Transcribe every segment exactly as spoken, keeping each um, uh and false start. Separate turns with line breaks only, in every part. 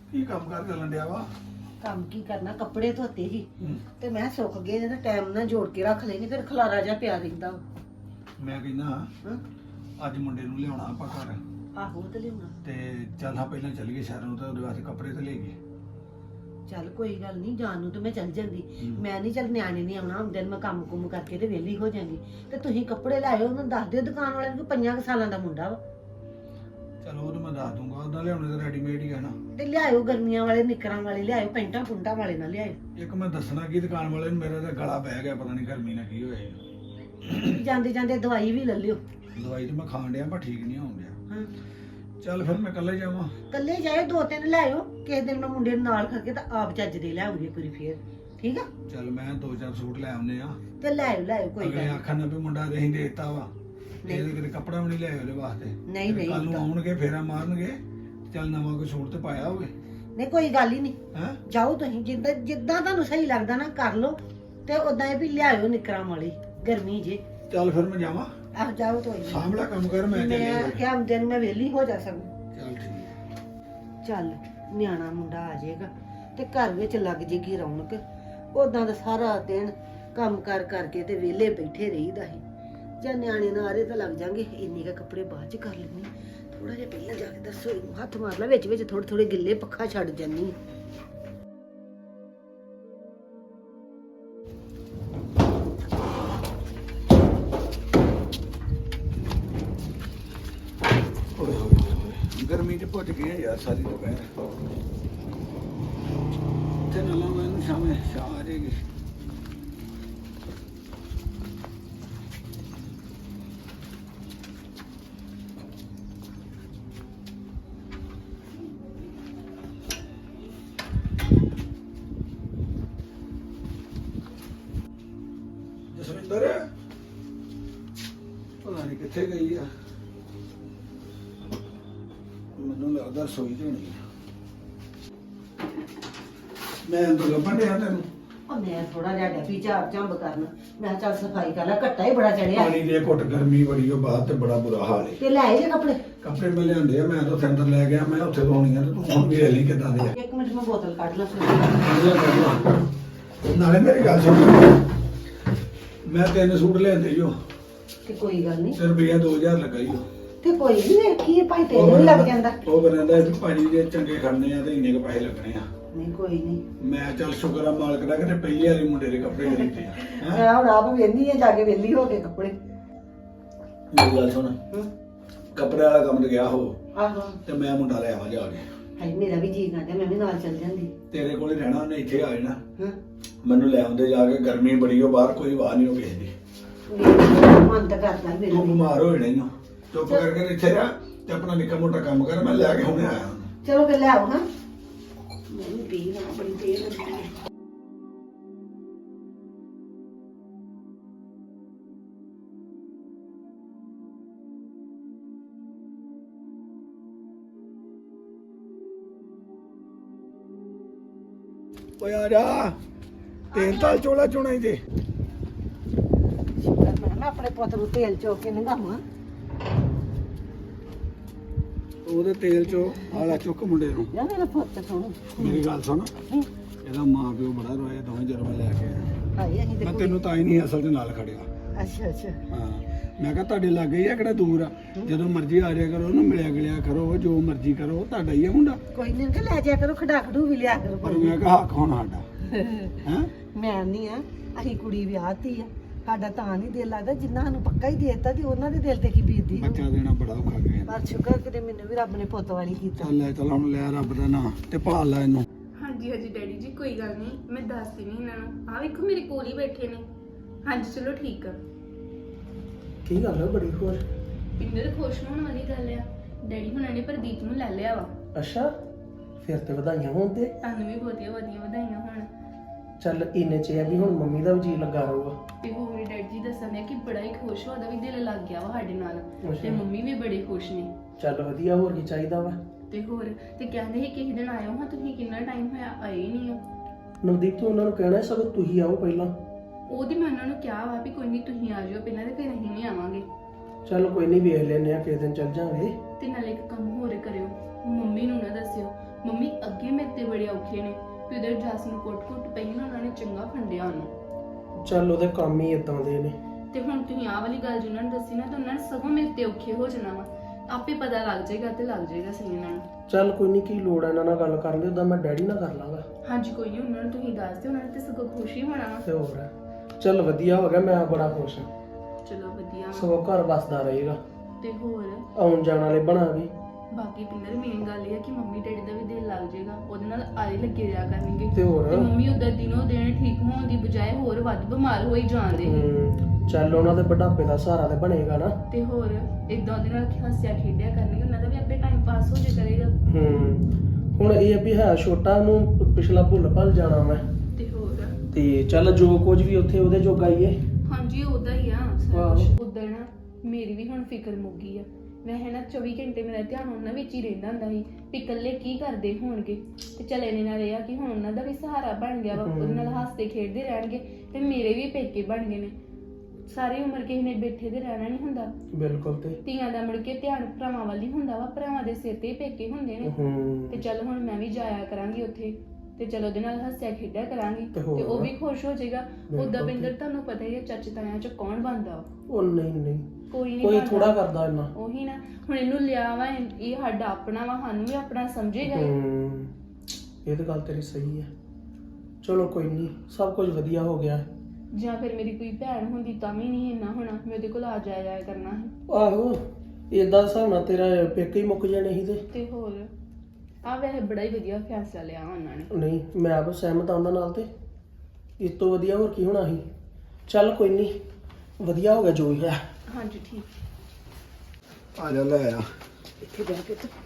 ਕੀ ਕੰਮ ਕਰ ਚੱਲਣ ਡਿਆ ਵਾ?
ਕੰਮ ਕੀ ਕਰਨਾ, ਕੱਪੜੇ ਧੋਤੇ ਸੀ ਤੇ ਮੈਂ ਸੁੱਕ ਗਏ ਨੇ, ਟਾਈਮ ਨਾਲ ਜੋੜ ਕੇ ਰੱਖ ਲੈਣੀ, ਫਿਰ ਖਲਾਰਾ ਜਿਹਾ ਪਿਆ ਰਹਿੰਦਾ ਵਾ।
ਮੈਂ ਕਹਿੰਦਾ
ਹਾਂ
ਅੱਜ ਮੁੰਡੇ ਨੂੰ ਲਿਆਉਣਾ ਆਪਾਂ ਘਰ
ਆਹੋ ਤੇ ਲਿਆਉਣਾ।
ਤੇ ਚੱਲ ਹਾਂ ਪਹਿਲਾਂ ਚੱਲ ਗਏ ਸ਼ਹਿਰ ਨੂੰ ਤਾਂ ਉਹਦੇ ਵਾਸਤੇ ਕੱਪੜੇ ਤੇ ਲੈ ਗਏ।
ਚੱਲ ਕੋਈ ਗੱਲ ਨਹੀਂ, ਜਾਣ ਨੂੰ ਤੇ ਮੈਂ ਚੱਲ ਜਾਂਦੀ।
ਹੂੰ।
ਮੈਂ ਨਹੀਂ, ਚੱਲ ਨਿਆਣੇ ਨਹੀਂ ਆਉਣਾ ਹੁੰਦੇ, ਮੈਂ ਕੰਮ ਕੁੰਮ ਕਰਕੇ ਤੇ ਵਿਹਲੀ ਹੋ ਜਾਂਗੀ। ਤੇ ਤੁਸੀਂ ਕੱਪੜੇ ਲਾਇਓ, ਉਹਨੂੰ ਦੱਸ ਦਿਓ ਦੁਕਾਨ ਵਾਲੇ ਨੂੰ, ਪੰਜਾਂ ਕੁ ਸਾਲਾਂ ਦਾ ਮੁੰਡਾ ਵਾ।
ਚਲੋ ਉਹ ਤਾਂ ਮੈਂ ਦੱਸ ਦੂੰਗਾ, ਉਹਦਾ ਲਿਆਉਣੇ ਤਾਂ ਰੈਡੀਮੇਡ ਹੀ ਆ ਨਾ।
ਤੇ ਲਿਆਇਓ ਗਰਮੀਆਂ ਵਾਲੇ, ਨਿੱਕਰਾਂ ਵਾਲੇ ਲਿਆਇਓ, ਪੈਂਟਾਂ ਪੁੰਟਾਂ ਵਾਲੇ ਨਾ ਲਿਆਇਓ।
ਇੱਕ ਮੈਂ ਦੱਸਣਾ ਕੀ ਦੁਕਾਨ ਵਾਲੇ ਨੂੰ, ਮੇਰਾ ਤਾਂ ਗਲਾ ਬਹਿ ਗਿਆ, ਪਤਾ ਨਹੀਂ ਗਰਮੀ ਨਾਲ ਕੀ ਹੋਇਆ ਜੀ।
ਜਾਂਦੇ ਜਾਂਦੇ ਦਵਾਈ ਵੀ ਲੈ ਲਿਓ।
ਦਵਾਈ ਤਾਂ ਮੈਂ ਖਾਣ ਡਿਆ ਪਰ ਠੀਕ ਨਹੀਂ ਹੋਣ ਡਿਆ।
ਹਾਂ
ਚੱਲ ਫਿਰ ਮੈਂ ਇਕੱਲੇ ਜਾਵਾਂ।
ਕੱਲੇ ਜਾਇਓ, ਦੋ ਤਿੰਨ ਲਿਆਇਓ, ਕਿਸੇ ਦਿਨ ਮੈਂ ਮੁੰਡੇ ਨੂੰ ਨਾਲ ਕਰਕੇ ਤਾਂ ਆਪ ਚੱਜ ਦੇ ਲਿਆਉਂਗੀ ਇੱਕ ਵਾਰੀ ਫੇਰ, ਠੀਕ ਆ?
ਚੱਲ ਮੈਂ ਦੋ ਚਾਰ ਸੂਟ ਲੈ ਆਉਨੇ ਆ।
ਤੇ ਲਿਆਇਓ ਲਿਆਇਓ, ਕੋਈ ਗੱਲ
ਅਗਲੇ
ਨੀ।
ਆਖਣ ਨਾ ਵੀ ਮੁੰਡਾ ਤੇ ਅਸੀਂ ਦੇਤਾ ਵਾ, ਇਹਦੇ ਕਿਤੇ ਕੱਪੜਾ ਵੀ ਨਹੀਂ ਲਿਆਏ ਉਹਦੇ ਵਾਸਤੇ।
ਨਹੀਂ ਨਹੀਂ
ਕੱਲ ਨੂੰ ਆਉਣਗੇ ਫੇਰਾ ਮਾਰਨਗੇ, ਚੱਲ ਨਵਾਂ ਕੋਈ ਸੂਟ ਤੇ ਪਾਇਆ ਹੋਵੇ।
ਨਹੀਂ ਕੋਈ ਗੱਲ ਹੀ ਨਹੀਂ,
ਹੈ
ਜਾਓ ਤੁਸੀਂ, ਜਿੱਦਾਂ ਜਿੱਦਾਂ ਤੁਹਾਨੂੰ ਸਹੀ ਲੱਗਦਾ ਨਾ ਕਰ ਲਓ। ਤੇ ਉਦਾਂ ਇਹ ਵੀ ਲਿਆਇਓ ਨਿਕਰਾਂ ਵਾਲੀ, ਗਰਮੀ ਜੇ।
ਚੱਲ ਫਿਰ ਮੈਂ ਜਾਵਾਂ।
ਆਹ ਜਾਓ ਕੋਈ ਨੀ।
ਸਾਂਭਲਾ ਕੰਮ ਕਰ, ਮੈਂ ਚੱਲਿਆ
ਮੈਂ
ਫਿਰ।
ਕਿਹਾ ਹੁੰਦੇ ਨੂੰ ਮੈਂ ਵਿਹਲੀ ਹੋ ਜਾ ਸਕੂੰ।
ਚੱਲ ਠੀਕ।
ਚੱਲ ਨਿਆਣਾ ਮੁੰਡਾ ਆ ਜਾਏਗਾ ਤੇ ਘਰ ਵਿੱਚ ਲੱਗ ਜੇਗੀ ਰੌਣਕ। ਉਦਾਂ ਦਾ ਸਾਰਾ ਦਿਨ ਕੰਮ ਕਰ ਕਰਕੇ ਤੇ ਵਿਹਲੇ ਬੈਠੇ ਰਹੀਦਾ ਸੀ। ਜਾਂ ਨਿਆਣੇ ਨਾਲ ਆ ਰਹੇ ਤਾਂ ਲੱਗ ਜਾਾਂਗੇ, ਇੰਨੇ ਕੁ ਕੱਪੜੇ ਬਾਅਦ ਚ ਕਰ ਲੈਣੀ। ਥੋੜਾ ਜਿਹਾ ਪਹਿਲਾਂ ਜਾ ਕੇ ਦੱਸੋ, ਇਹਨੂੰ ਹੱਥ ਮਾਰ ਲੈ, ਵਿੱਚ ਵਿੱਚ ਥੋੜੇ ਥੋੜੇ ਗਿੱਲੇ ਪੱਖਾ ਛੱਡ ਜਾਨੀ।
ਓਏ ਹੋਏ ਹੋਏ, ਗਰਮੀ ਚ ਭੁੱਜ ਗਏ ਆ ਯਾਰ ਸਾਰੀ ਦੁਪਹਿਰ। ਤੇ ਨਾ ਲਾਵਾਂ ਇਹਨੂੰ, ਸ਼ਾਮੇ ਸ਼ਾਮ ਆ ਜਾਏਗੀ। ਜਸਵਿੰਦਰ ਪਤਾ ਨਹੀਂ ਕਿੱਥੇ ਗਈ ਆ, ਮੈਨੂੰ ਲੱਗਦਾ ਸੋਈ ਤੇ ਹੋਣੀ ਆ। ਮੈਂ ਅੰਦਰ ਲੱਭਣ ਡਿਆ ਤੈਨੂੰ।
ਉਹ ਮੈਂ ਥੋੜਾ ਜਿਹਾ ਡੱਬੀ ਝਾੜ ਝੰਬ ਕਰਨ, ਮੈਂ ਕਿਹਾ ਚੱਲ ਸਫਾਈ ਕਰ ਲੈ, ਘੱਟਾ ਹੀ ਬੜਾ ਚੜਿਆ।
ਪਾਣੀ ਦੇ ਘੁੱਟ, ਗਰਮੀ ਬੜੀ ਉਹ ਬਾਹਰ ਤੇ ਬੜਾ ਬੁਰਾ ਹਾਲ ਹੈ।
ਤੇ ਲੈ ਆਏ ਜੇ ਕੱਪੜੇ?
ਕੱਪੜੇ ਮੈਂ ਲਿਆਂਦੇ ਆ, ਮੈਂ ਤਾਂ ਉੱਥੇ ਅੰਦਰ ਲੈ ਗਿਆ, ਮੈਂ ਉੱਥੇ ਧੋਣੀ ਆ ਤੇ ਤੂੰ ਹੁਣ ਵੇਖ ਲਈ ਕਿੱਦਾਂ ਦੇ ਆ।
ਇੱਕ ਮਿੰਟ ਮੈਂ ਬੋਤਲ ਕੱਢ ਲਾਂ।
ਨਾਲੇ ਮੇਰੀ ਗੱਲ ਸੁਣ, ਮੈਂ ਤਿੰਨ ਸੂਟ ਲਿਆਂਦੇ ਜੋ,
ਤੇ ਕੋਈ ਗੱਲ ਨਹੀਂ,
ਤੇ ਰੁਪਈਆ ਦੋ ਹਜ਼ਾਰ ਲੱਗਾ ਈ ਉਹ।
ਤੇ ਕੋਈ ਨਹੀਂ, ਵੇਖੀਏ ਭਾਈ ਤੇਰੇ ਵੀ ਲੱਗ ਜਾਂਦਾ।
ਉਹ ਕਹਿੰਦਾ ਵੀ ਭਾਜੀ ਜੇ ਚੰਗੇ ਖੜਨੇ ਆ ਤੇ ਇੰਨੇ ਕੁ ਪੈਸੇ ਲੱਗਣੇ ਆ।
ਨਹੀਂ ਕੋਈ ਨਹੀਂ,
ਮੈਂ ਚੱਲ ਸ਼ੁਕਰ ਆ ਮਾਲਕ ਦਾ ਕਿ ਪਹਿਲੀ ਵਾਰੀ ਮੁੰਡੇ ਦੇ ਕੱਪੜੇ ਖਰੀਦੇ ਆ। ਹੈਂ?
ਮੈਂ ਹੁਣ ਆਪ ਵੇਂਦੀ ਆ ਜਾ ਕੇ, ਵੇਲੀ ਹੋ ਕੇ ਕੱਪੜੇ।
ਮੇਰੀ ਗੱਲ ਸੁਣ,
ਹੂੰ
ਕੱਪੜੇ ਵਾਲਾ ਕੰਮ ਤੇ ਗਿਆ ਹੋ
ਆਹੋ,
ਤੇ ਮੈਂ ਮੁੰਡਾ ਲੈ ਆਵਾਂ ਜਾ ਕੇ।
ਹਾਏ ਮੇਰਾ ਵੀ ਜੀ ਕਰਦਾ, ਮੈਂ ਵੀ ਨਾਲ ਚੱਲ ਜਾਂਦੀ।
ਤੇਰੇ ਕੋਲ ਹੀ ਰਹਿਣਾ, ਉਹਨੇ ਇੱਥੇ ਆ ਜਾਣਾ।
ਹਾਂ
ਮੈਨੂੰ ਲੈ ਆਉਂਦੇ ਜਾ ਕੇ, ਗਰਮੀ ਬੜੀ ਹੋ ਬਾਹਰ, ਕੋਈ ਵਾਹ ਨਹੀਂ ਹੋ ਕਿਸੇ ਦੀ।
ਮਨ ਤਾਂ ਕਰਦਾ ਮੇਰਾ
ਤੂੰ
ਵੀ।
ਬਿਮਾਰ ਹੋ ਜਾਣਾ ਈ ਓ। ਚੁੱਪ ਕਰਕੇ ਇੱਥੇ ਰਹਿ ਤੇ ਆਪਣਾ ਨਿੱਕਾ ਮੋਟਾ ਕੰਮ ਕਰ, ਮੈਂ ਲੈ ਕੇ ਹੁਣੇ ਆਇਆ ਉਹਨੂੰ।
ਚਲੋ ਫਿਰ ਲੈ ਆਓ। ਹਾਂ ਮੈਂ ਵੀ ਪੀ ਲਾਂ, ਬੜੀ ਦੇਰ ਲੱਗੀ ਹੈ।
ਓਏ ਆ ਜਾ, ਤੇਲ ਤਾਲ ਚੋਲਾ ਚੋਣਾ ਹੀ ਤੇ।
ਸ਼ੁਕਰ ਮੈਂ ਨਾ ਆਪਣੇ ਪੁੱਤ ਨੂੰ ਤੇਲ ਚੋ ਕੇ ਨੰਗਾਵਾਂ।
ਉਹਦੇ ਤੇਲ ਚੋ ਆਲਾ ਚੁੱਕ ਮੁੰਡੇ ਨੂੰ।
ਜਾ ਮੇਰਾ ਪੁੱਤ ਸੁਣ,
ਮੇਰੀ ਗੱਲ ਸੁਣ, ਇਹਦਾ ਮਾਂ ਪਿਓ ਬੜਾ ਰੋਇਆ, ਦੋਵੇਂ ਜਰਮਾ ਲੈ ਕੇ ਆਇਆ।
ਹਾਏ ਅਸੀਂ ਤੇ
ਮੈਂ
ਕੋਈ-
ਤੈਨੂੰ ਤਾਂ ਹੀ ਨਹੀਂ ਅਸਲ ਦੇ ਨਾਲ ਖੜਿਆ।
ਅੱਛਾ ਅੱਛਾ,
ਹਾਂ ਮੈਂ ਕਿਹਾ ਤੁਹਾਡੇ ਲਾਗੇ ਹੀ ਆ, ਕਿਹੜਾ ਦੂਰ ਆ। ਜਦੋਂ ਮਰਜ਼ੀ ਆ ਜਾਇਆ ਕਰੋ, ਉਹਨੂੰ ਮਿਲਿਆ ਗਿਲਿਆ ਕਰੋ, ਜੋ ਮਰਜ਼ੀ ਕਰੋ, ਤੁਹਾਡਾ ਹੀ ਆ ਮੁੰਡਾ।
ਕੋਈ ਨਹੀਂ ਕਿ ਲੈ ਜਾ ਕਰੋ, ਖੜਾ ਖੜੂ ਵੀ ਲਿਆ ਕਰੋ।
ਪਰ ਮੈਂ ਕਿਹਾ ਹੱਕ ਹੁਣ ਸਾਡਾ ਹੈ।
ਮੈਂ ਨਹੀਂ ਆ, ਅਸੀਂ ਕੁੜੀ ਵਿਆਹਤੀ ਆ, ਸਾਡਾ ਤਾਂ ਨਹੀਂ ਦਿਲ ਲੱਗਦਾ, ਜਿੰਨਾ ਸਾਨੂੰ ਪੱਕਾ ਹੀ ਦੇ ਦਿੱਤਾ ਤੇ ਉਹਨਾਂ ਦੇ ਦਿਲ ਤੇ ਕੀ ਬੀਤਦੀ ਹੋਊ।
ਬੱਚਾ ਦੇਣਾ ਬੜਾ ਔਖਾ ਗਿਆ।
ਪਰ ਸ਼ੁਕਰ ਕਿਤੇ ਮੈਨੂੰ ਵੀ ਰੱਬ ਨੇ ਪੁੱਤ ਵਾਲੀ ਕੀਤਾ।
ਚੱਲ ਲੈ ਚੱਲ ਹੁਣ ਲੈ ਰੱਬ ਦਾ ਨਾਂ ਤੇ ਭਾਲ ਲੈ ਇਹਨੂੰ।
ਹਾਂਜੀ ਹਾਂਜੀ ਡੈਡੀ ਜੀ, ਕੋਈ ਗੱਲ ਨਹੀਂ, ਮੈਂ ਦੱਸਦੀ ਨਹੀਂ ਇਹਨਾਂ ਨੂੰ। ਆਹ ਵੇਖੋ ਮੇਰੇ ਕੋਲ ਹੀ ਬੈਠੇ ਨੇ। ਹਾਂਜੀ ਚਲੋ ਠੀਕ ਆ।
ਕੀ ਗੱਲ ਹੈ ਬੜੀ ਖੁਸ਼?
ਪਿੰਦਰ ਖੁਸ਼ ਹੋਣ ਵਾਲੀ ਗੱਲ ਆ, ਡੈਡੀ ਹੁਣਾਂ ਨੇ ਪ੍ਰਦੀਪ ਨੂੰ ਲੈ ਲਿਆ ਵਾ।
ਅੱਛਾ, ਫਿਰ ਤੇ ਵਧਾਈਆਂ ਹੋਣ। ਤੇ
ਤੁਹਾਨੂੰ ਵੀ ਬਹੁਤੀਆਂ ਵਧੀਆ ਵਧਾਈਆਂ ਹੋਣ।
ਚੱਲ ਇੰਨੇ ਚ ਇਹ ਆ ਵੀ ਹੁਣ ਮੰਮੀ ਦਾ ਵੀ ਜੀ ਲੱਗਾ ਰਹੂਗਾ।
ਤੇ ਹੋਰ ਮੇਰੇ ਡੈਡੀ ਜੀ ਦੱਸਣ ਦੇ ਕਿ ਬੜਾ ਹੀ ਖੁਸ਼ ਹੋ, ਉਹਦਾ ਵੀ ਦਿਲ ਲੱਗ ਗਿਆ ਵਾ ਸਾਡੇ ਨਾਲ।
ਅੱਛਾ।
ਤੇ ਮੰਮੀ ਵੀ ਬੜੇ ਖੁਸ਼ ਨੇ।
ਚੱਲ ਵਧੀਆ, ਹੋਰ ਕੀ ਚਾਹੀਦਾ ਵਾ।
ਤੇ ਹੋਰ ਤੇ ਕਹਿੰਦੇ ਸੀ ਕਿਸੇ ਦਿਨ ਆਇਓ ਹਾਂ, ਤੁਸੀਂ ਕਿੰਨਾ ਟਾਈਮ ਹੋਇਆ ਆਏ ਹੀ ਨਹੀਂ ਹੋ।
ਨਵਦੀਪ ਤੂੰ ਉਹਨਾਂ ਨੂੰ ਕਹਿਣਾ ਸਗੋਂ ਤੁਸੀਂ ਆਓ ਪਹਿਲਾਂ।
ਉਹਦੀ ਮੈਂ ਉਹਨਾਂ ਨੂੰ ਕਿਹਾ ਵਾ ਵੀ ਕੋਈ ਨਹੀਂ ਤੁਸੀਂ ਆ ਜਾਓ ਪਹਿਲਾਂ, ਤੇ ਫਿਰ ਅਸੀਂ ਵੀ ਆਵਾਂਗੇ।
ਚੱਲ ਕੋਈ ਨਹੀਂ, ਵੇਖ ਲੈਨੇ ਆ ਕਿਸੇ ਦਿਨ ਚੱਲ ਜਾਵਾਂਗੇ।
ਤੇ ਨਾਲੇ ਇੱਕ ਕੰਮ ਹੋਰ ਕਰਿਓ, ਮੰਮੀ ਨੂੰ ਨਾ ਦੱਸਿਓ, ਮੰਮੀ ਅੱਗੇ ਮੇਰੇ ਤੇ ਬੜੇ ਔਖੇ ਨੇ ਤੇ ਉਧਰ ਜਸ ਨੂੰ ਕੁੱਟ-ਕੁੱਟ ਪਈ ਨਾ ਉਹਨਾਂ ਨੇ ਚੰਗਾ ਫੰਡਿਆ ਉਹਨੂੰ।
ਚੱਲ ਉਹਦੇ ਕੰਮ ਹੀ ਇਦਾਂ ਦੇ ਨੇ।
ਤੇ ਹੁਣ ਤੁਸੀਂ ਆਹ ਵਾਲੀ ਗੱਲ ਜਿਹਨਾਂ ਨੇ ਦੱਸੀ ਨਾ ਤਾਂ ਉਹਨਾਂ ਨੇ ਸਗੋਂ ਮੇਰੇ ਤੇ ਔਖੇ ਹੋ ਜਾਣਾ ਵਾ। ਆਪੇ ਪਤਾ ਲੱਗ ਜਾਏਗਾ ਤੇ ਲੱਗ ਜਾਏਗਾ ਸਹੀ ਇਹਨਾਂ ਨੂੰ।
ਚੱਲ ਕੋਈ ਨਹੀਂ, ਕੀ ਲੋੜ ਹੈ ਇਹਨਾਂ ਨਾਲ ਗੱਲ ਕਰਨ ਦੀ, ਉਦਾਂ ਮੈਂ ਡੈਡੀ ਨਾਲ ਕਰ ਲਾਂਗਾ।
ਹਾਂਜੀ ਕੋਈ ਨਹੀਂ, ਉਹਨਾਂ ਨੂੰ ਤੁਸੀਂ ਦੱਸ ਦਿਓ, ਉਹਨਾਂ ਨੇ ਤੇ ਸਗੋਂ ਖੁਸ਼ੀ ਹੋਣਾ ਵਾ।
ਤੇ ਹੋਰ ਚੱਲ ਵਧੀਆ ਹੋ ਗਿਆ, ਮੈਂ ਬੜਾ ਖੁਸ਼ ਹਾਂ।
ਚਲੋ ਵਧੀਆ ਵਾ।
ਸਗੋਂ ਘਰ ਵਸਦਾ ਰਹੇਗਾ,
ਤੇ ਹੋਰ
ਆਉਣ ਜਾਣ ਵਾਲੇ ਬਣਾਂਗੇ।
ਬਾਕੀ ਪਿੰਦਰ ਮੇਨ ਗੱਲ ਇਹ ਹੈ ਕਿ ਮੰਮੀ ਡੈਡੀ ਦਾ ਵੀ ਦਿਲ ਲੱਗ ਜਾਏਗਾ, ਉਹਦੇ ਨਾਲ ਆਰੇ ਲੱਗੇ ਰਿਹਾ ਕਰਨਗੇ।
ਤੇ ਹੋਰ
ਤੇ ਮੰਮੀ ਉਧਰ ਦਿਨੋਂ ਦਿਨ ਠੀਕ ਹੋਣ ਦੀ ਬਜਾਏ ਹੋਰ ਵੱਧ ਬਿਮਾਰ ਹੋਈ ਜਾਂਦੇ।
ਹੂੰ, ਚੱਲ ਉਹਨਾਂ ਦੇ ਬੁਢਾਪੇ ਦਾ ਸਹਾਰਾ ਤੇ ਬਣੇਗਾ ਨਾ।
ਤੇ ਹੋਰ ਇਦਾਂ ਉਹਦੇ ਨਾਲ ਹੱਸਿਆ ਖੇਡਿਆ ਕਰਨਗੇ, ਉਹਨਾਂ ਦਾ ਵੀ ਆਪੇ ਟਾਈਮ ਪਾਸ ਹੋ ਜੇ ਕਰੇਗਾ।
ਹੂੰ, ਹੁਣ ਇਹ ਆ ਵੀ ਹੈ ਛੋਟਾ ਨੂੰ ਪਿਛਲਾ ਭੁੱਲ ਭੱਲ ਜਾਣਾ ਮੈਂ।
ਤੇ ਹੋਰ
ਤੇ ਚੱਲ ਜੋ ਕੁਝ ਵੀ ਉੱਥੇ ਉਹਦੇ ਜੋਗਾ ਹੀ ਏ।
ਹਾਂਜੀ ਉਹਦਾ ਹੀ ਆ ਸਾਰਾ
ਆਹੋ।
ਕੁਝ। ਉਧਰ ਨਾ ਮੇਰੀ ਵੀ ਹੁਣ ਫਿਕਰ ਮੁੱਕੀ ਆ। ਮੈਂ ਹੈ ਨਾ ਚੌਵੀ ਘੰਟੇ ਮੇਰਾ ਧਿਆਨ ਉਹਨਾਂ ਵਿੱਚ ਹੀ ਰਹਿੰਦਾ ਹੁੰਦਾ ਸੀ ਵੀ ਇਕੱਲੇ ਕੀ ਕਰਦੇ ਹੋਣਗੇ। ਤੇ ਚੱਲ ਇਹਨੇ ਨਾਲ ਇਹ ਆ ਕਿ ਹੁਣ ਉਹਨਾਂ ਦਾ ਵੀ ਸਹਾਰਾ ਬਣ ਗਿਆ ਵਾ, ਉਹਦੇ ਨਾਲ ਹੱਸਦੇ ਖੇਡਦੇ ਰਹਿਣਗੇ ਤੇ ਮੇਰੇ ਵੀ ਪੇਕੇ ਬਣ ਗਏ ਨੇ। ਸਾਰੀ ਉਮਰ ਕਿਸੇ ਨੇ ਬੈਠੇ ਤੇ ਰਹਿਣਾ ਨਹੀਂ ਹੁੰਦਾ।
ਬਿਲਕੁਲ। ਤੇ
ਧੀਆਂ ਦਾ ਮੁੜ ਕੇ ਧਿਆਨ ਭਰਾਵਾਂ ਵੱਲ ਹੀ ਹੁੰਦਾ ਵਾ, ਭਰਾਵਾਂ ਦੇ ਸਿਰ ਤੇ ਹੀ ਪੇਕੇ ਹੁੰਦੇ ਨੇ।
ਹੂੰ,
ਤੇ ਚੱਲ ਹੁਣ ਮੈਂ ਵੀ ਜਾਇਆ ਕਰਾਂਗੀ ਉੱਥੇ ਤੇ ਚਲੋ ਉਹਦੇ ਨਾਲ ਹੱਸਿਆ ਖੇਡਿਆ ਕਰਾਂਗੀ
ਤੇ
ਤੇ
ਹੋਰ।
ਉਹ ਵੀ ਖੁਸ਼ ਹੋ ਜਾਏਗਾ।
ਬਿਲਕੁਲ।
ਉਦਾਂ ਬਿੰਦਰ ਤੁਹਾਨੂੰ ਪਤਾ ਹੀ ਹੈ ਚਾਚੇ ਤਾਇਆਂ ਚ ਕੌਣ ਬਣਦਾ ਵਾ?
ਉਹ ਨਹੀਂ ਨਹੀਂ,
ਕੋਈ ਨਹੀਂ
ਕੋਈ
ਬਣਦਾ।
ਥੋੜਾ ਕਰਦਾ ਇੰਨਾ।
ਉਹੀ ਨਾ, ਹੁਣ ਇਹਨੂੰ ਲਿਆ ਵਾ, ਇਹ ਸਾਡਾ ਆਪਣਾ ਵਾ, ਸਾਨੂੰ ਵੀ ਆਪਣਾ ਸਮਝੇਗਾ ਇਹ।
ਹੂੰ, ਇਹ ਤਾਂ ਗੱਲ ਤੇਰੀ ਸਹੀ ਹੈ। ਚਲੋ ਕੋਈ ਨਹੀਂ, ਸਭ ਕੁਝ ਵਧੀਆ ਹੋ ਗਿਆ।
ਜਾਂ ਫਿਰ ਮੇਰੀ ਕੋਈ ਭੈਣ ਹੁੰਦੀ ਤਾਂ ਵੀ ਨਹੀਂ ਇੰਨਾ ਹੋਣਾ, ਮੈਂ ਉਹਦੇ ਕੋਲ ਆ ਜਾਇਆ ਜਾਇਆ ਕਰਨਾ ਸੀ।
ਆਹੋ, ਏਦਾਂ ਹਿਸਾਬ ਨਾਲ ਤੇਰਾ ਪੇਕੇ ਹੀ ਮੁੱਕ ਜਾਣੇ ਸੀ। ਤੇ
ਤੇ ਹੋਰ ਆ ਵੈਸੇ ਬੜਾ ਹੀ ਵਧੀਆ ਫੈਸਲਾ ਲਿਆ ਉਹਨਾਂ ਨੇ।
ਨਹੀਂ, ਮੈਂ ਆਪ ਸਹਿਮਤ ਹਾਂ ਉਹਨਾਂ ਨਾਲ। ਤੇ ਇਸ ਤੋਂ ਵਧੀਆ ਹੋਰ ਕੀ ਹੋਣਾ ਸੀ। ਚੱਲ ਕੋਈ ਨਹੀਂ, ਵਧੀਆ ਹੋ ਗਿਆ ਜੋ ਵੀ ਹੈ।
ਹਾਂਜੀ ਠੀਕ।
ਆ ਜਾ ਲੈ ਆ।
ਇੱਥੇ ਬਹਿ ਕੇ ਤੇ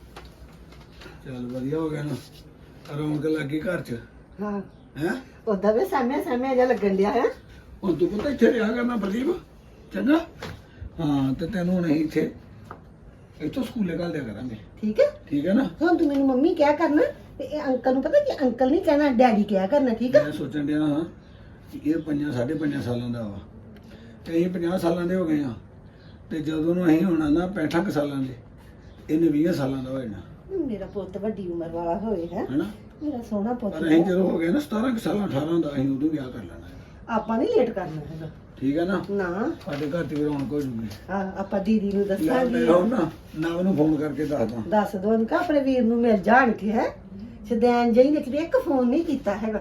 ਚੱਲ ਵਧੀਆ ਹੋ ਗਿਆ ਨਾ, ਰੌਣਕ ਲੱਗੀ ਘਰ 'ਚ।
ਹਾਂ
ਹੈ
ਉਦਾਂ ਵੀ ਸਾਹਮਣੇ ਸਾਹਮਣੇ ਜਿਹਾ ਲੱਗਣ ਡਿਆ ਹੈ।
ਹੁਣ ਤੂੰ ਪਤਾ ਇੱਥੇ ਰਿਹਾ ਕਰਨਾ ਪ੍ਰਦੀਪ, ਚੰਗਾ? ਹਾਂ, ਤੇ ਤੈਨੂੰ ਹੁਣ ਅਸੀਂ ਇੱਥੇ ਇੱਥੋਂ ਸਕੂਲੇ ਘੱਲ ਦਿਆ ਕਰਾਂਗੇ,
ਠੀਕ ਹੈ।
ਠੀਕ ਹੈ ਨਾ?
ਹੁਣ ਤੂੰ ਮੈਨੂੰ ਮੰਮੀ ਕਿਹਾ ਕਰਨਾ ਤੇ ਇਹ ਅੰਕਲ ਨੂੰ ਪਤਾ ਕਿ ਅੰਕਲ ਨਹੀਂ ਕਹਿਣਾ, ਡੈਡੀ ਕਿਹਾ ਕਰਨਾ, ਠੀਕ ਹੈ।
ਮੈਂ ਸੋਚਣ ਡਿਆ ਹਾਂ ਕਿ ਇਹ ਪੰਜਾਂ ਸਾਢੇ ਪੰਜਾਂ ਸਾਲਾਂ ਦਾ ਵਾ ਤੇ ਅਸੀਂ ਪੰਜਾਹ ਸਾਲਾਂ ਦੇ ਹੋ ਗਏ ਆ, ਤੇ ਜਦੋਂ ਨੂੰ ਅਸੀਂ ਹੋਣਾ ਨਾ ਪੈਂਹਠ ਕੁ ਸਾਲਾਂ ਦੇ, ਇਹਨੇ ਵੀਹ ਸਾਲਾਂ ਦਾ ਹੋ ਜਾਣਾ।
ਮੇਰਾ ਪੁੱਤ ਵੱਡੀ ਉਮਰ ਵਾਲਾ ਹੋਏ ਹੈ,
ਹੈਨਾ?
ਮੇਰਾ ਸੋਹਣਾ ਪੁੱਤ
ਪਰ ਅਸੀਂ
ਹੈ।
ਜਦੋਂ ਹੋ ਗਏ ਨਾ ਸਤਾਰਾਂ ਕੁ ਸਾਲਾਂ ਅਠਾਰਾਂ ਦਾ, ਅਸੀਂ ਉਦੋਂ ਵਿਆਹ ਕਰ ਲੈਣਾ ਹੈ।
ਆਪਾਂ ਨਹੀਂ ਲੇਟ ਕਰਨਾ ਹੈਗਾ,
ਠੀਕ ਹੈ ਨਾ?
ਨਾ।
ਸਾਡੇ ਘਰ 'ਚ ਵੀ ਰੌਣਕ ਹੋ ਜੂਗੀ।
ਹਾਂ, ਆਪਾਂ ਦੀਦੀ ਨੂੰ
ਲੈ
ਦੱਸਾਂਗੇ।
ਮੈਂ ਹੁਣ ਨਾ ਨਵ ਨੂੰ ਫੋਨ ਕਰਕੇ ਦੱਸਦਾ।
ਦੱਸ ਦੋ ਅਨਕਾ ਆਪਣੇ ਵੀਰ ਨੂੰ ਮਿਲ ਜਾਣ ਕੇ ਹੈ। ਸਦੈਨ ਜਈ ਨੇ ਕਿਤੇ ਇੱਕ ਫੋਨ ਨਹੀਂ ਕੀਤਾ ਹੈਗਾ।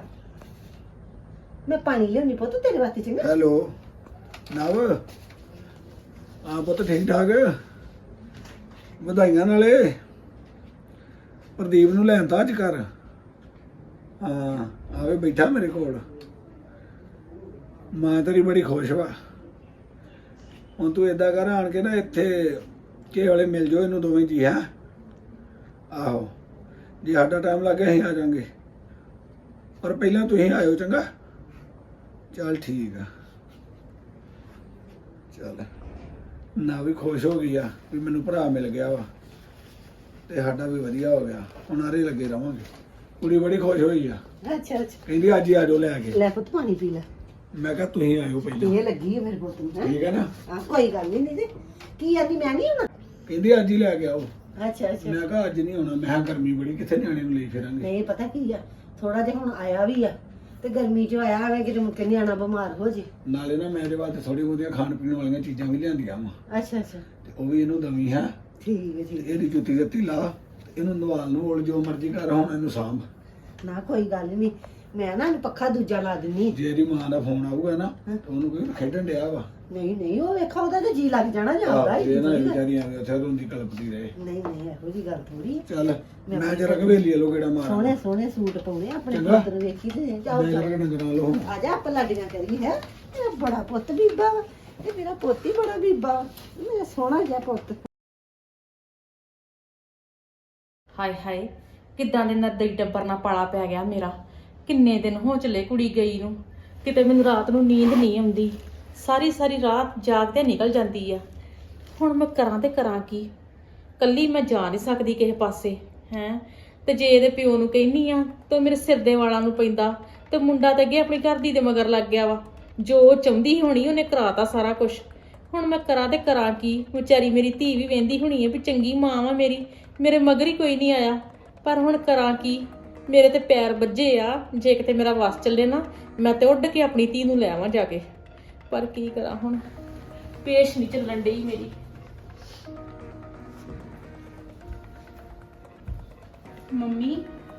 ਮੈਂ ਪਾਣੀ ਲਿਆਉਣੀ ਪੁੱਤ ਤੇਰੇ ਵਾਸਤੇ, ਚੰਗਾ?
ਹੈਲੋ ਨਵ, ਆ ਪੁੱਤ ਠੀਕ ਠਾਕ? ਵਧਾਈਆਂ ਨਾਲੇ ਪ੍ਰਦੀਪ ਨੂੰ ਲੈਣ ਤਾਂ ਅੱਜ ਕਰ। ਹਾਂ ਆਵੇ ਬੈਠਾ ਮੇਰੇ ਕੋਲ, ਮਾਂ ਤੇਰੀ ਬੜੀ ਖੁਸ਼ ਵਾ। ਹੁਣ ਤੂੰ ਏਦਾਂ ਕਰ, ਆਣ ਕੇ ਨਾ ਇੱਥੇ ਕਿਸੇ ਵੇਲੇ ਮਿਲ ਜਾਓ ਇਹਨੂੰ ਦੋਵੇਂ ਜੀ। ਹੈ ਆਹੋ, ਜੇ ਸਾਡਾ ਟਾਈਮ ਲੱਗੇ ਅਸੀਂ ਆ ਜਾਵਾਂਗੇ, ਪਰ ਪਹਿਲਾਂ ਤੁਸੀਂ ਆਇਓ, ਚੰਗਾ? ਚੱਲ ਠੀਕ ਆ। ਚੱਲ ਨਾ ਵੀ ਖੁਸ਼ ਹੋ ਗਈ ਆ ਵੀ ਮੈਨੂੰ ਭਰਾ ਮਿਲ ਗਿਆ ਵਾ, ਤੇ ਸਾਡਾ ਵੀ ਵਧੀਆ ਹੋ ਗਿਆ। ਹੁਣ ਆਰੇ ਲੱਗੇ ਰਵਾਂਗੇ। ਕੁੜੀ ਬੜੀ ਖੁਸ਼ ਹੋਈ ਆ,
ਅੱਛਾ ਅੱਛਾ,
ਕਹਿੰਦੀ ਅੱਜ ਹੀ ਆ ਜਾਓ ਲੈ ਕੇ।
ਲੈ ਪੁੱਤ ਪਾਣੀ ਪੀ ਲੈ।
ਮੈਂ ਕਿਹਾ ਤੁਸੀਂ ਆਇਓ ਪਹਿਲਾਂ,
ਇਹ ਲੱਗੀ ਹੈ ਮੇਰੇ ਪੁੱਤ ਨੂੰ, ਹੈਂ?
ਠੀਕ ਹੈ ਨਾ?
ਹਾਂ ਕੋਈ ਗੱਲ ਨਹੀਂ। ਨਹੀਂ ਤੇ ਕੀ ਆਂਦੀ, ਮੈਂ ਨਹੀਂ ਆਉਣਾ?
ਕਹਿੰਦੀ ਅੱਜ ਹੀ ਲੈ ਕੇ ਆਓ।
ਅੱਛਾ ਅੱਛਾ।
ਮੈਂ ਕਿਹਾ ਅੱਜ ਨਹੀਂ ਆਉਣਾ, ਮੈਂ ਕਿਹਾ ਗਰਮੀ ਬੜੀ, ਕਿੱਥੇ ਨਿਆਣੇ ਨੂੰ ਲਈ ਫਿਰਾਂਗੇ।
ਨਹੀਂ ਪਤਾ ਕੀ ਆ, ਥੋੜਾ ਜਿਹਾ ਹੁਣ ਆਇਆ ਵੀ ਆ ਤੇ ਗਰਮੀ ਚ ਆਇਆ ਹੋਵੇ ਕਿ ਮੁੱਕੇ ਨਿਆਣਾ ਬਿਮਾਰ ਹੋ ਜੇ।
ਨਾਲੇ ਨਾ ਮੈਂ ਇਹਦੇ ਵਾਸਤੇ ਥੋੜੀ ਬਹੁਤੀਆਂ ਖਾਣ ਪੀਣ ਵਾਲੀਆਂ ਚੀਜ਼ਾਂ ਵੀ ਲਿਆਂਦੀਆਂ ਵਾ,
ਅੱਛਾ ਅੱਛਾ,
ਤੇ ਉਹ ਵੀ ਇਹਨੂੰ ਦਵੀ ਹੈ।
ਠੀਕ ਹੈ
ਤੇ
ਠੀਕ
ਇਹਦੀ ਜੁੱਤੀ ਦਿੱਤੀ ਲਾ, ਤੇ ਇਹਨੂੰ ਨਵਾਲ ਨੂੰ ਓਲ ਜੋ ਮਰਜ਼ੀ ਕਰ, ਹੁਣ ਇਹਨੂੰ ਸਾਂਭ।
ਨਾ ਕੋਈ ਗੱਲ ਨਹੀਂ, ਮੈਂ ਨਾ ਇਹਨੂੰ ਪੱਖਾ ਦੂਜਾ ਲਾ ਦਿੰਨੀ।
ਜੇ ਇਹਦੀ ਮਾਂ ਦਾ ਫੋਨ ਆਊਗਾ ਨਾ, ਤੇ ਉਹਨੂੰ ਕੋਈ ਖੇਡਣ ਡਿਆ ਵਾ।
ਨਹੀਂ ਨਹੀਂ, ਉਹ ਵੇਖਾ ਉਹਦਾ ਤੇ ਜੀ ਲੱਗ ਜਾਣਾ ਜਾਂਦਾ।
ਆਹ, ਇਹ ਨਾ ਵਿਚਾਰੀ ਆਵੇ ਉੱਥੇ ਰੋਂਦੀ ਕਲਪਦੀ ਰਹੇ।
ਨਹੀਂ ਨਹੀਂ, ਇਹੋ ਜੀ ਗੱਲ ਥੋੜੀ।
ਚੱਲ ਮੈਂ ਜਰਾ ਕਵੇਲੀ ਲੋ ਕਿਹੜਾ ਮਾਰਾਂ।
ਸੋਹਣੇ ਸੋਹਣੇ ਸੂਟ ਪਾਉਣੇ ਆਪਣੇ
ਚੰਗਾ।
ਪੁੱਤ ਨੂੰ ਵੇਖੀ ਤੇ ਜਾਓ
ਮੈਂ
ਜਾਓ।
ਜਰਾ ਡੰਗਰਾਂ ਲੋ।
ਆ ਜਾ ਆਪਾਂ ਲਾਡੀਆਂ ਕਰੀ ਹੈ। ਇਹ ਬੜਾ ਪੁੱਤ ਬੀਬਾ ਵਾ, ਇਹ ਮੇਰਾ ਪੁੱਤ ਹੀ ਬੜਾ ਬੀਬਾ ਵਾ, ਮੇਰਾ ਸੋਹਣਾ ਜਿਹਾ ਪੁੱਤ।
ਹਾਏ ਹਾਏ, ਕਿੱਦਾਂ ਦੇ ਨਰਦਈ ਟੱਬਰ ਨਾਲ ਪਾਲਾ ਪੈ ਗਿਆ ਮੇਰਾ। ਕਿੰਨੇ ਦਿਨ ਹੋ ਚਲੇ ਕੁੜੀ ਗਈ ਨੂੰ, ਕਿਤੇ ਮੈਨੂੰ ਰਾਤ ਨੂੰ ਨੀਂਦ ਨਹੀਂ ਆਉਂਦੀ। ਸਾਰੀ ਸਾਰੀ ਰਾਤ ਜਾਗਦੇ ਨਿਕਲ ਜਾਂਦੀ ਆ। ਹੁਣ ਮੈਂ ਕਰਾਂ ਤੇ ਕਰਾਂ ਕੀ? ਕੱਲੀ ਮੈਂ ਜਾ ਨਹੀਂ ਸਕਦੀ ਕਿਸੇ ਪਾਸੇ ਹੈ। ਤੇ ਜੇ ਇਹਦੇ ਪਿਓ ਨੂੰ ਕਹਿੰਨੀ ਆ ਤਾਂ ਮੇਰੇ ਸਿਰ ਦੇ ਵਾਲਾਂ ਨੂੰ ਪੈਂਦਾ, ਤੇ ਮੁੰਡਾ ਤਾਂ ਅੱਗੇ ਆਪਣੀ ਘਰ ਦੀ ਦੇ ਮਗਰ ਲੱਗ ਗਿਆ ਵਾ। ਜੋ ਉਹ ਚਾਹੁੰਦੀ ਹੋਣੀ ਉਹਨੇ ਕਰਾਤਾ ਸਾਰਾ ਕੁਝ। ਹੁਣ ਮੈਂ ਕਰਾਂ ਤੇ ਕਰਾਂ ਕੀ? ਵਿਚਾਰੀ ਮੇਰੀ ਧੀ ਵੀ ਵੇਂਦੀ ਹੋਣੀ ਹੈ ਵੀ ਚੰਗੀ ਮਾਂ ਵਾ ਮੇਰੀ, ਮੇਰੇ ਮਗਰ ਹੀ ਕੋਈ ਨਹੀਂ ਆਇਆ। ਪਰ ਹੁਣ ਕਰਾਂ ਕੀ, ਮੇਰੇ ਤੇ ਪੈਰ ਵੱਜੇ ਆ। ਜੇ ਕਿਤੇ ਮੇਰਾ ਵਸ ਚੱਲੇ ਨਾ, ਮੈਂ ਤੇ ਉੱਡ ਕੇ ਆਪਣੀ ਧੀ ਨੂੰ ਲੈ ਆਵਾਂ ਜਾ ਕੇ, ਪਰ ਕੀ ਕਰਾਂ ਹੁਣ, ਪੇਸ਼ ਨਹੀਂ ਚੱਲਣ ਡਈ ਮੇਰੀ।
ਮੰਮੀ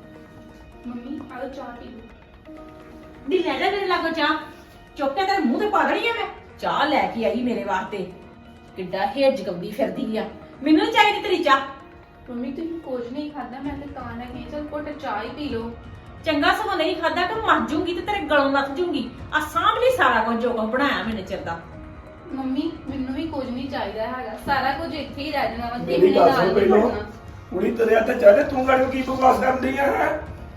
ਮੰਮੀ ਆਲੋ ਚਾਹ ਪੀ ਲਓ।
ਨੀ ਲੈ ਲੈ ਮੇਰੇ ਲਾਗੋ ਚਾਹ, ਚੁੱਕ ਕੇ ਤੇਰੇ ਮੂੰਹ ਤੇ ਪਾ ਦੇਣੀ ਆ ਮੈਂ। ਚਾਹ ਲੈ ਕੇ ਆਈ ਮੇਰੇ ਵਾਸਤੇ, ਕਿੱਡਾ ਹੇਜ ਗੰਦੀ ਫਿਰਦੀ ਆ। ਮੈਨੂੰ ਨੀ ਚਾਹੀਦੀ ਤੇਰੀ ਚਾਹ।
ਮੰਮੀ ਤੁਸੀਂ ਕੁਝ ਨਹੀਂ ਖਾਦਾ, ਮੈਂ ਤੇ ਤਾਂ ਨਾ ਗਈ ਚਲ ਘੁੱਟ ਚਾਹ ਹੀ ਪੀ ਲਓ।
ਚੰਗਾ ਸਗੋਂ ਨਹੀਂ ਖਾਦਾ ਕਿ ਮਰ ਜੂੰਗੀ ਤੇ ਤੇਰੇ ਗਲੋਂ ਲੱਥ ਜੂੰਗੀ। ਆ ਸਾਹਮਣੇ ਸਾਰਾ ਕੁਝ ਜੋ ਕੁਝ ਬਣਾਇਆ ਮੈਨੇ ਚਿਰ ਦਾ।
ਮੰਮੀ ਮੈਨੂੰ ਵੀ ਕੁਝ ਨਹੀਂ ਚਾਹੀਦਾ ਹੈਗਾ, ਸਾਰਾ ਕੁਝ ਇੱਥੇ ਹੀ ਰਹਿ ਜਾਣਾ ਵਾ।
ਮੇਰੀ
ਕਿਸੇ ਨੇ
ਗੱਲ
ਨਾਲ
ਸੁਣ
ਨਹੀਂ
ਪਹਿਲੋਂ।
ਪੜਨਾ।
ਕੁੜੀ ਤੇਰੇ ਹੱਥ ਚਾਹੇ ਤੂੰ ਗਾੜੀ ਕੀ ਬਕਵਾਸ ਕਰਦੀ ਆ ਹੈ?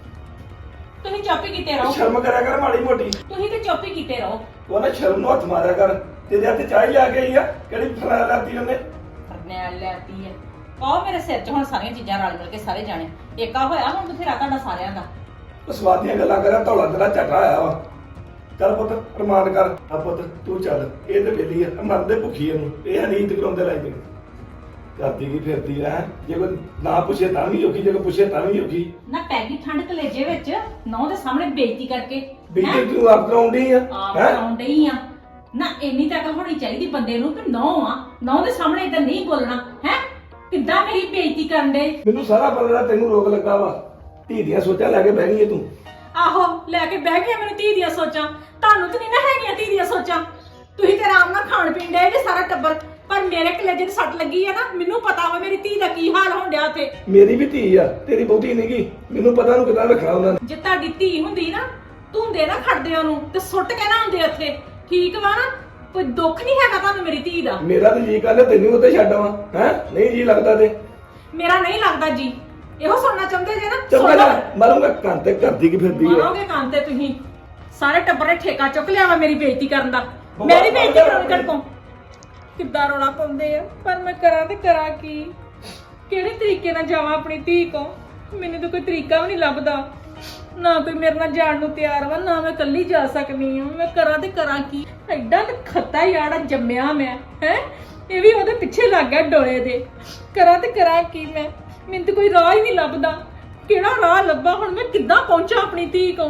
ਤੁਸੀਂ ਚੁੱਪ ਹੀ ਕੀਤੇ ਰਹੋ,
ਸ਼ਰਮ ਕਰਿਆ ਕਰ ਮਾੜੀ ਮੋਟੀ।
ਤੁਸੀਂ ਤੇ ਚੁੱਪ ਹੀ ਕੀਤੇ ਰਹੋ।
ਤੂੰ ਨਾ ਸ਼ਰਮ ਨੂੰ ਹੱਥ ਮਾਰਿਆ ਕਰ। ਤੇਰੇ ਹੱਥ ਚਾਹ ਹੀ ਆ ਗਈ ਆ, ਕਿਹੜੀ ਫਲਾ ਲਾਤੀ ਉਹਨੇ।
ਕਰਨੈਲ ਲੈਤੀ ਹੈ, ਪਾਓ ਮੇਰੇ ਸਿਰ 'ਚ ਹੁਣ ਸਾਰੀਆਂ ਚੀਜ਼ਾਂ ਰਲ ਮਿਲ ਕੇ ਸਾਰੇ ਜਾਣੇ। ਏਕਾ ਹੋਇਆ ਹੁਣ ਬਥੇਰਾ ਤੁਹਾਡਾ ਸਾਰਿਆਂ ਦਾ।
ਉਹ ਸਵਾਦ ਦੀਆਂ ਗੱਲਾਂ ਕਰਿਆ, ਧੌਲਾ ਤੇਰਾ ਝਟਾ ਆਇਆ ਵਾ। ਚੱਲ ਪੁੱਤ ਅਰਮਾਨ ਕਰ। ਆ ਪੁੱਤ ਤੂੰ ਚੱਲ, ਇਹ ਤੇ ਵੇਲੀ ਆ, ਮਰਦੇ ਭੁੱਖੀ ਇਹਨੂੰ। ਇਹ ਨੀਂਦ ਕਰਾਉਂਦੇ ਲਾਈ ਦੇ ਕਰਦੀ ਕੀ ਫਿਰਦੀ ਆ ਹੈਂ? ਜੇ ਕੋਈ ਨਾ ਪੁੱਛੇ ਤਾਂ ਵੀ ਔਖੀ, ਜੇ ਕੋਈ ਪੁੱਛੇ ਤਾਂ ਵੀ ਔਖੀ।
ਨਾ ਪੈ ਗਈ ਠੰਡ ਕਲੇਜੇ ਵਿੱਚ, ਨੌ ਦੇ ਸਾਹਮਣੇ ਬੇਇੱਜ਼ਤੀ ਕਰਕੇ।
ਬੀਜੀ ਤੂੰ ਆਪ ਕਰਾਉਂਦੀ ਆ
ਆਪ
ਹੈਂ?
ਕਰਾਉਣ ਡਈ ਆ ਨਾ। ਇੰਨੀ ਤਾਂ ਅਕਲ ਹੋਣੀ ਚਾਹੀਦੀ ਬੰਦੇ ਨੂੰ ਕਿ ਨੌ ਆ, ਨੌ ਦੇ ਸਾਹਮਣੇ ਇਦਾਂ ਨਹੀਂ ਬੋਲਣਾ ਹੈ। ਕਿੱਦਾਂ ਮੇਰੀ ਬੇਇੱਜ਼ਤੀ ਕਰਨ ਦੇ।
ਮੈਨੂੰ ਸਾਰਾ ਪਤਾ, ਤੈਨੂੰ ਰੋਕ ਲੱਗਾ ਵਾ। ਧੀ ਦੀਆਂ ਸੋਚਾਂ ਲੈ ਕੇ ਬਹਿ ਗਈ ਏ ਤੂੰ।
ਆਹੋ ਲੈ ਕੇ ਬਹਿ ਗਿਆ ਮੈਨੂੰ ਧੀ ਦੀਆਂ ਸੋਚਾਂ। ਤੁਹਾਨੂੰ ਤਾਂ ਨਹੀਂ ਨਾ ਹੈਗੀਆਂ ਧੀ ਦੀਆਂ ਸੋਚਾਂ। ਤੁਸੀਂ ਤੇ ਆਰਾਮ ਨਾਲ ਖਾਣ ਪੀਣ ਡਏ ਜੇ ਸਾਰਾ ਟੱਬਰ, ਪਰ ਮੇਰੇ ਕਲੇਜੇ ਤੇ ਸੱਟ ਲੱਗੀ ਆ ਨਾ। ਮੈਨੂੰ ਪਤਾ ਵਾ ਮੇਰੀ ਧੀ ਦਾ ਕੀ ਹਾਲ ਹੋਣ ਡਿਆ ਉੱਥੇ।
ਮੇਰੀ ਵੀ ਧੀ ਆ, ਤੇਰੀ ਬਹੁਤੀ ਨਹੀਂਗੀ। ਮੈਨੂੰ ਪਤਾ ਨੂੰ ਕਿਦਾਂ ਰੱਖਣਾ ਉਹਨਾਂ ਨੇ।
ਜੇ ਤੁਹਾਡੀ ਧੀ ਹੁੰਦੀ ਨਾ, ਧੁੰਦੇ ਨਾ ਖੜਦੇ ਉਹਨੂੰ ਤੇ ਸੁੱਟ ਕੇ ਨਾ ਹੁੰਦੇ ਉੱਥੇ, ਠੀਕ ਵਾ ਨਾ। ਕੋਈ ਦੁੱਖ ਨਹੀਂ ਹੈਗਾ ਤੁਹਾਨੂੰ ਮੇਰੀ ਧੀ ਦਾ।
ਮੇਰਾ ਤੇ ਜੀ ਕਹਿੰਦਾ ਤੈਨੂੰ ਉੱਤੇ ਛੱਡ ਆਵਾਂ ਹੈ। ਨਹੀਂ ਜੀ ਲੱਗਦਾ ਤੇ
ਮੇਰਾ ਨਹੀਂ ਲੱਗਦਾ ਜੀ। ਇਹੋ ਸੁਣਨਾ ਚਾਹੁੰਦੇ ਜੇ ਨਾ,
ਚੰਗਾ
ਸੁਣ
ਜਾ
ਲਓ।
ਮਰੂੰਗਾ ਕੰਨ ਤੇ ਕਰਦੀ ਕੀ ਫਿਰਦੀ ਆ।
ਮਾਰੋਗੇ ਕੰਨ ਤੇ ਤੁਸੀਂ। ਸਾਰੇ ਟੱਬਰ ਨੇ ਠੇਕਾ ਚੁੱਕ ਲਿਆ ਵਾ ਮੇਰੀ ਬੇਇੱਜ਼ਤੀ ਕਰਨ ਦਾ। ਮੇਰੀ ਬੇਇੱਜ਼ਤੀ ਕਰਾਉਣੀ ਕੜਕੋਂ ਕਿੱਦਾਂ ਰੋਣਾ ਪਾਉਂਦੇ ਆ, ਪਰ ਮੈਂ ਕਰਾਂ ਤੇ ਕਰਾਂ ਕੀ? ਕਿਹੜੇ ਤਰੀਕੇ ਨਾਲ ਜਾਵਾਂ ਆਪਣੀ ਧੀ ਕੋ? ਮੈਨੂੰ ਤਾਂ ਕੋਈ ਤਰੀਕਾ ਵੀ ਨਹੀਂ ਲੱਭਦਾ। ਨਾ ਕੋਈ ਮੇਰੇ ਨਾਲ ਜਾਣ ਨੂੰ ਤਿਆਰ ਵਾ, ਨਾ ਮੈਂ ਇਕੱਲੀ ਜਾ ਸਕਦੀ ਹਾਂ। ਮੈਂ ਕਰਾਂ ਤੇ ਕਰਾਂ ਕੀ? ਐਡਾ ਤੇ ਖੱਤਾ ਯਾੜਾ ਜੰਮਿਆ ਮੈਂ ਹੈ, ਇਹ ਵੀ ਉਹਦੇ ਪਿੱਛੇ ਲੱਗ ਗਿਆ ਡੋਲੇ ਦੇ। ਕਰਾਂ ਤੇ ਕਰਾਂ ਕੀ ਮੈਂ? ਮੈਨੂੰ ਤਾਂ ਕੋਈ ਰਾਹ ਹੀ ਨਹੀਂ ਲੱਭਦਾ। ਕਿਹੜਾ ਰਾਹ ਲੱਭਾ ਹੁਣ? ਮੈਂ ਕਿੱਦਾਂ ਪਹੁੰਚਾਂ ਆਪਣੀ ਧੀ ਕੋ?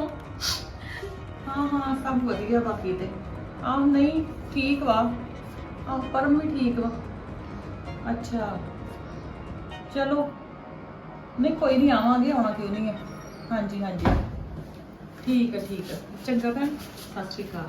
ਹਾਂ ਹਾਂ ਸਭ ਵਧੀਆ ਬਾਕੀ ਤੇ। ਆਹ ਨਹੀਂ ਠੀਕ ਵਾ। ਆਹ ਪਰਮ ਵੀ ਠੀਕ ਵਾ। ਅੱਛਾ ਚਲੋ, ਨਹੀਂ ਕੋਈ ਨਹੀਂ, ਆਵਾਂਗੇ, ਆਉਣਾ ਕਿਉਂ ਨਹੀਂ ਹੈ। ਹਾਂਜੀ ਹਾਂਜੀ ਠੀਕ ਹੈ ਠੀਕ ਹੈ। ਚੰਗਾ ਭੈਣ, ਸਤਿ ਸ਼੍ਰੀ ਅਕਾਲ।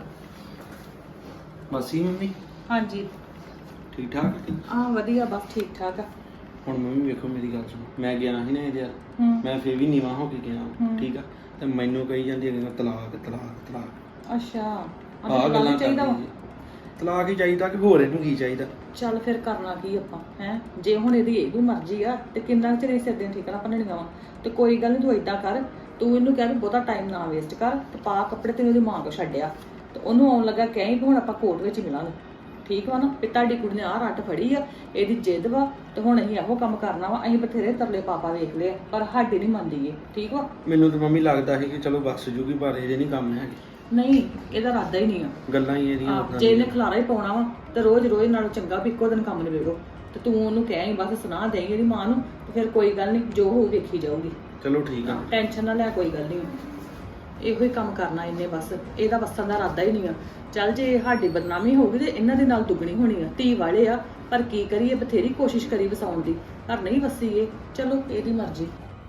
ਮਾਸੀ ਮੰਮੀ
ਹਾਂਜੀ
ਠੀਕ ਠਾਕ?
ਆਹ ਵਧੀਆ, ਬਸ ਠੀਕ ਠਾਕ ਆ।
ਹੁਣ ਮੰਮੀ ਵੇਖੋ ਮੇਰੀ ਗੱਲ ਸੁਣੋ, ਮੈਂ ਗਿਆ ਸੀ ਨਾ ਇਹਦੇ ਯਾਰ,
ਹੂੰ
ਮੈਂ ਫੇਰ ਵੀ ਨੀਵਾਂ ਹੋ ਕੇ ਗਿਆ,
ਹੂੰ।
ਠੀਕ ਆ। ਤੇ ਮੈਨੂੰ ਕਹੀ ਜਾਂਦੀ ਹੈ ਤਲਾਕ ਤਲਾਕ ਤਲਾਕ।
ਅੱਛਾ
ਆਹ ਗੱਲਾਂ
ਚਾਹੀਦਾ ਵਾ।
ਕਰਦੀ ਹੈ। ਤਲਾਕ ਹੀ ਚਾਹੀਦਾ ਕਿ ਹੋਰ ਇਹਨੂੰ ਕੀ ਚਾਹੀਦਾ?
ਚੱਲ ਫਿਰ ਕਰਨਾ ਕੀ ਆਪਾਂ ਹੈ? ਜੇ ਹੁਣ ਇਹਦੀ ਇਹ ਵੀ ਮਰਜ਼ੀ ਆ ਤੇ ਕਿੰਨਾ ਚਿਰ ਸਿਰ ਦੀਆਂ ਠੀਕਣਾ ਭੰਨਣੀਆਂ ਵਾ। ਤੇ ਕੋਈ ਗੱਲ ਨਹੀਂ, ਤੂੰ ਏਦਾਂ ਕਰ, ਤੂੰ ਇਹਨੂੰ ਕਹਿ ਵੀ ਬਹੁਤਾ ਟਾਈਮ ਨਾ ਵੇਸਟ ਕਰ ਤੇ ਪਾ ਕੱਪੜੇ ਤੇ ਉਹਦੀ ਮਾਂ ਕੋ ਛੱਡਿਆ ਤੇ ਉਹਨੂੰ ਆਉਣ ਲੱਗਾ ਕਹੀਂ ਵੀ ਹੁਣ ਆਪਾਂ ਕੋਰਟ ਵਿੱਚ ਮਿਲਾਂਗੇ, ਠੀਕ ਵਾ ਨਾ? ਵੀ ਤੁਹਾਡੀ ਕੁੜੀ ਨੇ ਆਹ ਰੱਟ ਫੜੀ ਆ, ਇਹਦੀ ਜਿੱਦ ਵਾ ਤੇ ਹੁਣ ਅਸੀਂ ਇਹੋ ਕੰਮ ਕਰਨਾ ਵਾ। ਅਸੀਂ ਬਥੇਰੇ ਤਰਲੇ ਪਾਪਾ ਵੇਖ ਲਿਆ ਪਰ ਸਾਡੀ ਨਹੀਂ ਮੰਨਦੀ ਏ, ਠੀਕ ਵਾ?
ਮੈਨੂੰ ਤਾਂ ਮੰਮੀ ਲੱਗਦਾ ਸੀ ਕਿ ਚਲੋ ਬਸ ਜੂਗੀ, ਪਰ ਇਹਦੇ ਨਹੀਂ ਕੰਮ ਹੈਗੇ।
ਨਹੀਂ ਇਹਦਾ ਇਰਾਦਾ ਹੀ ਨਹੀਂ ਆ।
ਗੱਲਾਂ ਹੀ ਇਹਦੀਆਂ
ਆਹ,
ਉਦਾਂ
ਜੇ ਇਹਨੇ
ਦੀਆਂ।
ਖਲਾਰਾ ਹੀ ਪਾਉਣਾ ਵਾ ਤੇ ਰੋਜ਼ ਰੋਜ਼ ਨਾਲੋਂ ਚੰਗਾ ਵੀ ਇੱਕੋ ਦਿਨ ਕੰਮ ਨਿਬੇੜੋ। ਤੇ ਤੂੰ ਉਹਨੂੰ ਕਹਿ ਬਸ ਸੁਣਾ ਦੇਂਗੀ ਇਹਦੀ ਮਾਂ ਨੂੰ ਤੇ ਫਿਰ ਕੋਈ ਗੱਲ ਨਹੀਂ, ਜੋ ਹੋਊ ਵੇਖੀ ਜਾਊਗੀ।
ਚਲੋ ਠੀਕ ਆ।
ਟੈਨਸ਼ਨ ਨਾ ਲੈ, ਕੋਈ ਗੱਲ ਨਹੀਂ। ਇਹੋ ਹੀ ਕੰਮ ਕਰਨਾ ਇਹਨੇ, ਬਸ ਇਹਦਾ ਵਸਣ ਦਾ ਇਰਾਦਾ ਹੀ ਨਹੀਂ ਆ। ਚੱਲ ਜੇ ਸਾਡੀ ਬਦਨਾਮੀ ਹੋਊਗੀ ਤੇ ਇਹਨਾਂ ਦੇ ਨਾਲ ਦੁੱਗਣੀ ਹੋਣੀ ਆ। ਧੀ ਵਾਲੇ ਆ ਪਰ ਕੀ ਕਰੀਏ, ਬਥੇਰੀ ਕੋਸ਼ਿਸ਼ ਕਰੀ ਵਸਾਉਣ ਦੀ ਪਰ ਨਹੀਂ ਵਸੀ ਇਹ। ਚਲੋ ਇਹਦੀ ਮਰਜ਼ੀ।